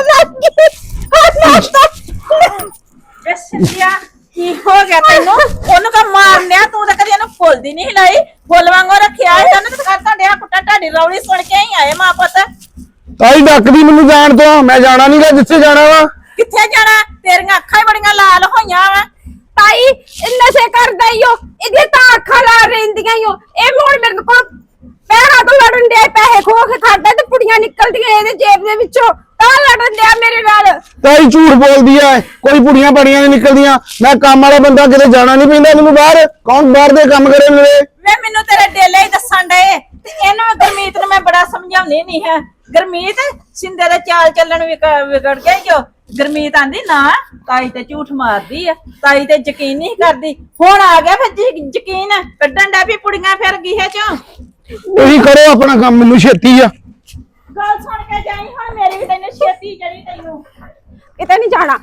Speaker 5: ਸਿੰਧਿਆ ਕੀ ਹੋ ਗਿਆ ਤੈਨੂੰ? ਉਹਨੂੰ ਕਾ ਮਾਰਨਿਆ, ਤੂੰ ਤਾਂ ਕਦੀ ਇਹਨੂੰ ਫੁੱਲਦੀ ਨਹੀਂ ਹਿਲਾਈ, ਫੁੱਲ ਵਾਂਗੂ ਰੱਖਿਆ ਸੀ ਉਹਨੇ। ਤਾਂ ਤੁਹਾਡੇ ਆ ਕੁੱਟਾ ਢਾਡੀ ਰੌਲੀ ਸੁਣ ਕੇ ਹੀ ਆਏ ਮਾਂ ਪੁੱਤ।
Speaker 1: ਤਾਈ ਡੱਕਦੀ ਮੈਨੂੰ ਜਾਣ ਤੋਂ, ਮੈਂ ਜਾਣਾ ਨਹੀਂਗਾ ਜਿੱਥੇ ਜਾਣਾ ਵਾ।
Speaker 5: ਕਿੱਥੇ ਜਾਣਾ? ਤੇਰੀਆਂ ਅੱਖਾਂ ਹੀ ਬੜੀਆਂ ਲਾਲ ਹੋਈਆਂ ਵਾ।
Speaker 2: ਤਾਈ ਇਹ ਨਸ਼ੇ ਕਰਦਾ ਈ ਓ, ਇਹਦੀਆਂ ਤਾਂ ਅੱਖਾਂ ਲਾਲ ਰਹਿੰਦੀਆਂ ਈ ਓ। ਇਹ ਹੁਣ ਮੇਰੇ ਕੋਲ ਪੈਸਾ ਤੋਂ ਲੜਨ ਡਿਆ, ਪੈਸੇ ਖੋ ਕੇ ਖਾਦਾ ਤੇ ਪੁੜੀਆਂ ਨਿਕਲਦੀਆਂ ਇਹਦੇ ਜੇਬ ਦੇ ਵਿੱਚੋਂ, ਤਾਂ ਲੜਨ ਡਿਆ ਮੇਰੇ ਨਾਲ।
Speaker 1: ਤਾਈ ਝੂਠ ਬੋਲਦੀ ਐ, ਕੋਈ ਪੁੜੀਆਂ ਪੜੀਆਂ ਨਹੀਂ ਨਿਕਲਦੀਆਂ। ਮੈਂ ਕੰਮ ਵਾਲਾ ਬੰਦਾ, ਕਿਤੇ ਜਾਣਾ ਨਹੀਂ ਪੈਂਦਾ ਮੈਨੂੰ ਬਾਹਰ। ਕੌਣ ਬਾਹਰ ਦੇ ਕੰਮ ਕਰੇ ਮੇਰੇ?
Speaker 5: ਵੇ ਮੈਨੂੰ ਤੇਰੇ ਡੇਲੇ ਹੀ ਦੱਸਣ ਡਏ, ਤੇ ਇਹਨੂੰ ਗੁਰਮੀਤ ਨੂੰ ਮੈਂ ਬੜਾ ਸਮਝਾਉਣੀ ਨਹੀਂ ਹੈ। ਗੁਰਮੀਤ ਸਿੰਦੇ ਦੇ ਚਾਲ ਚੱਲਣ ਵਿਗੜ ਗਿਆ ਜੋ। ਗੁਰਮੀਤ ਆਂਦੀ ਨਾ ਤਾਈ ਤੇ ਝੂਠ ਮਾਰਦੀ ਆ, ਤਾਈ ਤੇ ਯਕੀਨ ਨਹੀਂ ਕਰਦੀ। ਹੁਣ ਆ ਗਿਆ ਫਿਰ ਯਕੀਨ ਕੱਢਣ ਦਾ ਵੀ ਪੁੜੀਆਂ ਫਿਰ ਗਈਆਂ ਚੋਂ।
Speaker 1: ਤੁਸੀਂ ਕਰੋ ਆਪਣਾ ਕੰਮ, ਮੈਨੂੰ ਛੇਤੀ ਆ।
Speaker 5: ਗੱਲ ਸੁਣ ਕੇ ਜਾਈ ਹੁਣ, ਮੇਰੀ ਵੀ ਤੈਨੂੰ ਛੇਤੀ ਜੜੀ ਤੈਨੂੰ।
Speaker 2: ਕਿਤੇ ਨਹੀਂ ਜਾਣਾ।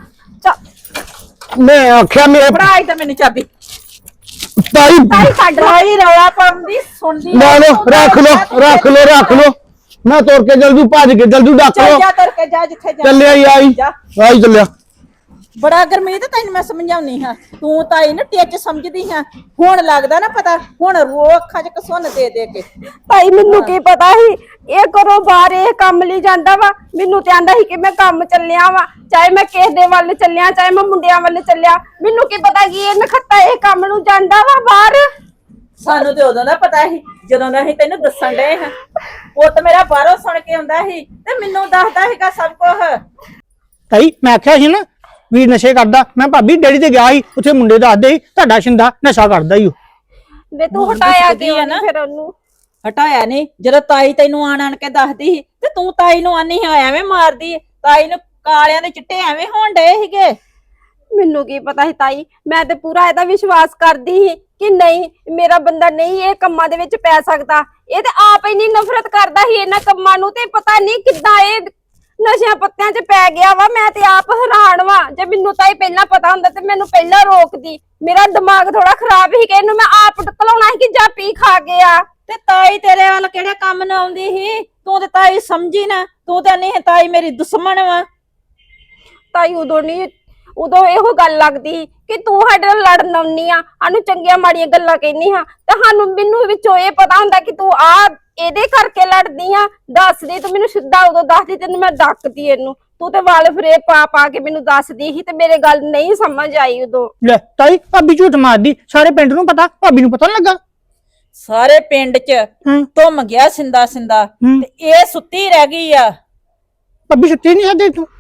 Speaker 1: ਮੈਂ ਆਖਿਆ ਮੇਰੇ
Speaker 5: ਫੜਾ ਇੱਧਰ ਮੈਨੂੰ ਚਾਬੀ।
Speaker 1: ਤਾਈ
Speaker 2: ਤਾਈ ਕੱਢ ਲਓ।
Speaker 5: ਤਾਈ ਰੌਲਾ ਪਾਉਂਦੀ ਸੁਣਦੀ
Speaker 1: ਲੈ ਲੋ, ਰੱਖ ਲੋ ਰੱਖ ਲੋ ਰੱਖ ਲੋ। ਮੈਂ ਤੁਰ ਕੇ ਜਲਦੀ ਭੱਜ ਕੇ ਜਲਦੀ ਡੱਕ
Speaker 5: ਚੱਲ
Speaker 1: ਲੋ।
Speaker 5: ਜਾ ਤੁਰ ਕੇ ਜਾ ਜਿੱਥੇ ਜਾ।
Speaker 1: ਚੱਲਿਆ ਹੀ ਆਈ
Speaker 5: ਜਾ।
Speaker 1: ਆਈ ਚੱਲਿਆ।
Speaker 5: ਬੜਾ ਗੁਰਮੀਤ ਤੈਨੂੰ ਮੈਂ ਸਮਝਾਉਣੀ ਹਾਂ, ਤੂੰ ਤਾਈ ਨੂੰ ਟਿੱਚ ਸਮਝਦੀ ਹਾਂ। ਹੁਣ ਲੱਗਦਾ ਨਾ ਪਤਾ, ਹੁਣ ਰੋ ਅੱਖਾਂ 'ਚ ਕਸੁੰਨ ਦੇ ਦੇ ਕੇ।
Speaker 2: ਭਾਈ ਮੈਨੂੰ ਕੀ ਪਤਾ ਸੀ ਇਹ ਕਰੋ ਬਾਹਰ ਇਹ ਕੰਮ ਲਈ ਜਾਂਦਾ ਵਾ। ਮੈਨੂੰ ਤੇ ਆਂਦਾ ਸੀ ਕਿ ਮੈਂ ਕੰਮ ਚੱਲਿਆ ਵਾ, ਚਾਹੇ ਮੈਂ ਕਿਸੇ ਦੇ ਵੱਲ ਚੱਲਿਆ, ਚਾਹੇ ਮੈਂ ਮੁੰਡਿਆਂ ਵੱਲ ਚੱਲਿਆ। ਮੈਨੂੰ ਕੀ ਪਤਾ ਕਿ ਇਹ ਨਖੱਤਾ ਇਹ ਕੰਮ ਨੂੰ ਜਾਂਦਾ ਵਾ ਬਾਹਰ।
Speaker 5: ਸਾਨੂੰ ਤੇ ਉਦੋਂ ਦਾ ਪਤਾ ਸੀ ਜਦੋਂ ਦਾ ਅਸੀਂ ਤੈਨੂੰ ਦੱਸਣ ਡਏ ਹਾਂ। ਪੁੱਤ ਮੇਰਾ ਬਾਹਰੋਂ ਸੁਣ ਕੇ ਆਉਂਦਾ ਸੀ ਤੇ ਮੈਨੂੰ ਦੱਸਦਾ ਸੀਗਾ ਸਭ ਕੁਝ।
Speaker 3: ਤਾਈ ਮੈਂ ਆਖਿਆ ਸੀ ਨਾ ਵੀਰ ਨਸ਼ੇ ਕਰਦਾ। ਮੈਂ ਭਾਬੀ ਡੈਡੀ ਤੇ ਗਿਆ ਸੀ, ਉੱਥੇ ਮੁੰਡੇ ਦੱਸਦੇ ਸੀ ਤੁਹਾਡਾ ਸ਼ਿੰਦਾ ਨਸ਼ਾ ਕਰਦਾ ਹੀ।
Speaker 2: ਵੇ ਤੂੰ ਹਟਾਇਆ ਕਿਉਂ ਨਾ ਫਿਰ ਉਹਨੂੰ?
Speaker 5: ਹਟਾਇਆ ਨਹੀਂ, ਜਦੋਂ ਤਾਈ ਤੈਨੂੰ ਆਣ ਆਣ ਕੇ ਦੱਸਦੀ ਸੀ ਤੇ ਤੂੰ ਤਾਈ ਨੂੰ ਆਨੀ ਐਵੇਂ ਮਾਰਦੀ। ਤਾਈ ਨੂੰ ਕਾਲਿਆਂ ਦੇ ਚਿੱਟੇ ਐਵੇਂ ਹੋਣ ਡਏ ਸੀਗੇ।
Speaker 2: ਮੈਨੂੰ ਕੀ ਪਤਾ ਸੀ ਤਾਈ, ਮੈਂ ਤੇ ਪੂਰਾ ਇਹਦਾ ਵਿਸ਼ਵਾਸ ਕਰਦੀ ਸੀ ਕਿ ਨਹੀਂ ਮੇਰਾ ਬੰਦਾ ਨਹੀਂ ਇਹ ਕੰਮਾਂ ਦੇ ਵਿੱਚ ਪੈ ਸਕਦਾ। ਇਹ ਤੇ ਆਪ ਇੰਨੀ ਨਫ਼ਰਤ ਕਰਦਾ ਸੀ ਇਹਨਾਂ ਕੰਮਾਂ ਨੂੰ, ਤੇ ਪਤਾ ਨਹੀਂ ਕਿੱਦਾਂ ਇਹ ਨਸ਼ਿਆਂ ਪੱਤਿਆਂ 'ਚ ਪੈ ਗਿਆ ਵਾ। ਮੈਂ ਤੇ ਆਪ ਹੈਰਾਨ ਵਾ। ਜੇ ਮੈਨੂੰ ਤਾਈ ਪਹਿਲਾਂ ਪਤਾ ਹੁੰਦਾ ਤੇ ਮੈਨੂੰ ਪਹਿਲਾਂ ਰੋਕਦੀ। ਮੇਰਾ ਦਿਮਾਗ ਥੋੜਾ ਖਰਾਬ ਸੀ ਕਿ ਇਹਨੂੰ ਮੈਂ ਆਪ ਟਕਲਾਉਣਾ ਸੀ ਕਿ ਜਾ ਪੀ ਖਾ ਗਿਆ।
Speaker 5: ਤੇ ਤਾਈ ਤੇਰੇ ਵੱਲ ਕਿਹੜੇ ਕੰਮ ਨੂੰ ਆਉਂਦੀ ਸੀ? ਤੂੰ ਤੇ ਤਾਈ ਸਮਝੀ ਨਾ, ਤੂੰ ਤੇ ਨਹੀਂ ਤਾਈ ਮੇਰੀ ਦੁਸ਼ਮਣ ਵਾ।
Speaker 2: ਤਾਈ ਉਦੋਂ ਨਹੀਂ, ਉਦੋਂ ਇਹੋ ਗੱਲ ਲੱਗਦੀ ਕਿ ਤੂੰ ਸਾਡੇ ਨਾਲ ਲੜਨ ਆਉਣੀ ਆ, ਸਾਨੂੰ ਚੰਗੀਆਂ ਮਾੜੀਆਂ ਗੱਲਾਂ ਕਹਿੰਦੀ ਹਾਂ, ਤੇ ਸਾਨੂੰ ਮੈਨੂੰ ਵਿੱਚੋਂ ਇਹ ਪਤਾ ਹੁੰਦਾ ਕਿ ਤੂੰ ਆ ਇਹਦੇ ਕਰਕੇ ਲੜਦੀ ਆ। ਦੱਸਦੀ ਤੂੰ ਮੈਨੂੰ ਸਿੱਧਾ ਉਦੋਂ ਦੱਸਦੀ, ਤੈਨੂੰ ਮੈਂ ਡੱਕਦੀ ਇਹਨੂੰ। ਤੂੰ ਤੇ ਵਾਲ ਫਰੇ ਪਾ ਪਾ ਕੇ ਮੈਨੂੰ ਦੱਸਦੀ ਸੀ ਤੇ ਮੇਰੇ ਗੱਲ ਨਹੀਂ ਸਮਝ ਆਈ ਉਦੋਂ।
Speaker 3: ਲੈ ਤਾਈ ਭਾਬੀ ਝੂਠ ਮਾਰਦੀ, ਸਾਰੇ ਪਿੰਡ ਨੂੰ ਪਤਾ, ਭਾਬੀ ਨੂੰ ਪਤਾ ਨੀ ਲੱਗਾ।
Speaker 5: ਸਾਰੇ ਪਿੰਡ 'ਚ
Speaker 3: ਹੂੰ
Speaker 5: ਧੁੰਮ ਗਿਆ ਸਿੰਦਾ ਸਿੰਦਾ,
Speaker 3: ਹੂੰ।
Speaker 5: ਤੇ ਇਹ ਸੁੱਤੀ ਰਹਿ ਗਈ ਆ।
Speaker 3: ਭਾਬੀ ਸੁੱਤੀ ਨਹੀਂ ਸਾਡੇ ਤੂੰ?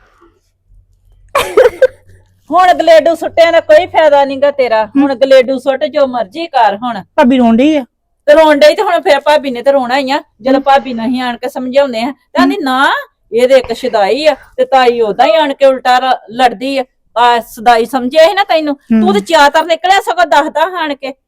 Speaker 5: ਹੁਣ ਗਲੇਡੂ ਸੁੱਟਿਆਂ ਦਾ ਕੋਈ ਫਾਇਦਾ ਨਹੀਂਗਾ ਤੇਰਾ। ਹੁਣ ਗਲੇਡੂ ਸੁੱਟ ਜੋ ਮਰਜ਼ੀ ਕਰ ਹੁਣ।
Speaker 3: ਭਾਬੀ ਰੋਣ ਡਈ ਆ।
Speaker 5: ਤੇ ਰੋਣ ਡਈ ਤੇ ਹੁਣ ਫਿਰ ਭਾਬੀ ਨੇ ਤੇ ਰੋਣਾ ਹੀ ਆ। ਜਦੋਂ ਭਾਬੀ ਨਹੀਂ ਆਣ ਕੇ ਸਮਝਾਉਂਦੇ ਆ ਤੇ ਆਂਦੀ ਨਾ ਇਹਦੇ ਇੱਕ ਸ਼ਦਾਈ ਆ, ਤੇ ਤਾਈ ਉਹਦਾ ਹੀ ਆਣ ਕੇ ਉਲਟਾ ਰ- ਲੜਦੀ ਆ। ਆ ਸਦਾਈ ਸਮਝਿਆ ਸੀ ਨਾ ਤੈਨੂੰ, ਤੂੰ ਤੇ ਚਾਤਰ ਨਿਕਲਿਆ ਸਗੋਂ ਦੱਸਦਾ ਆਣ ਕੇ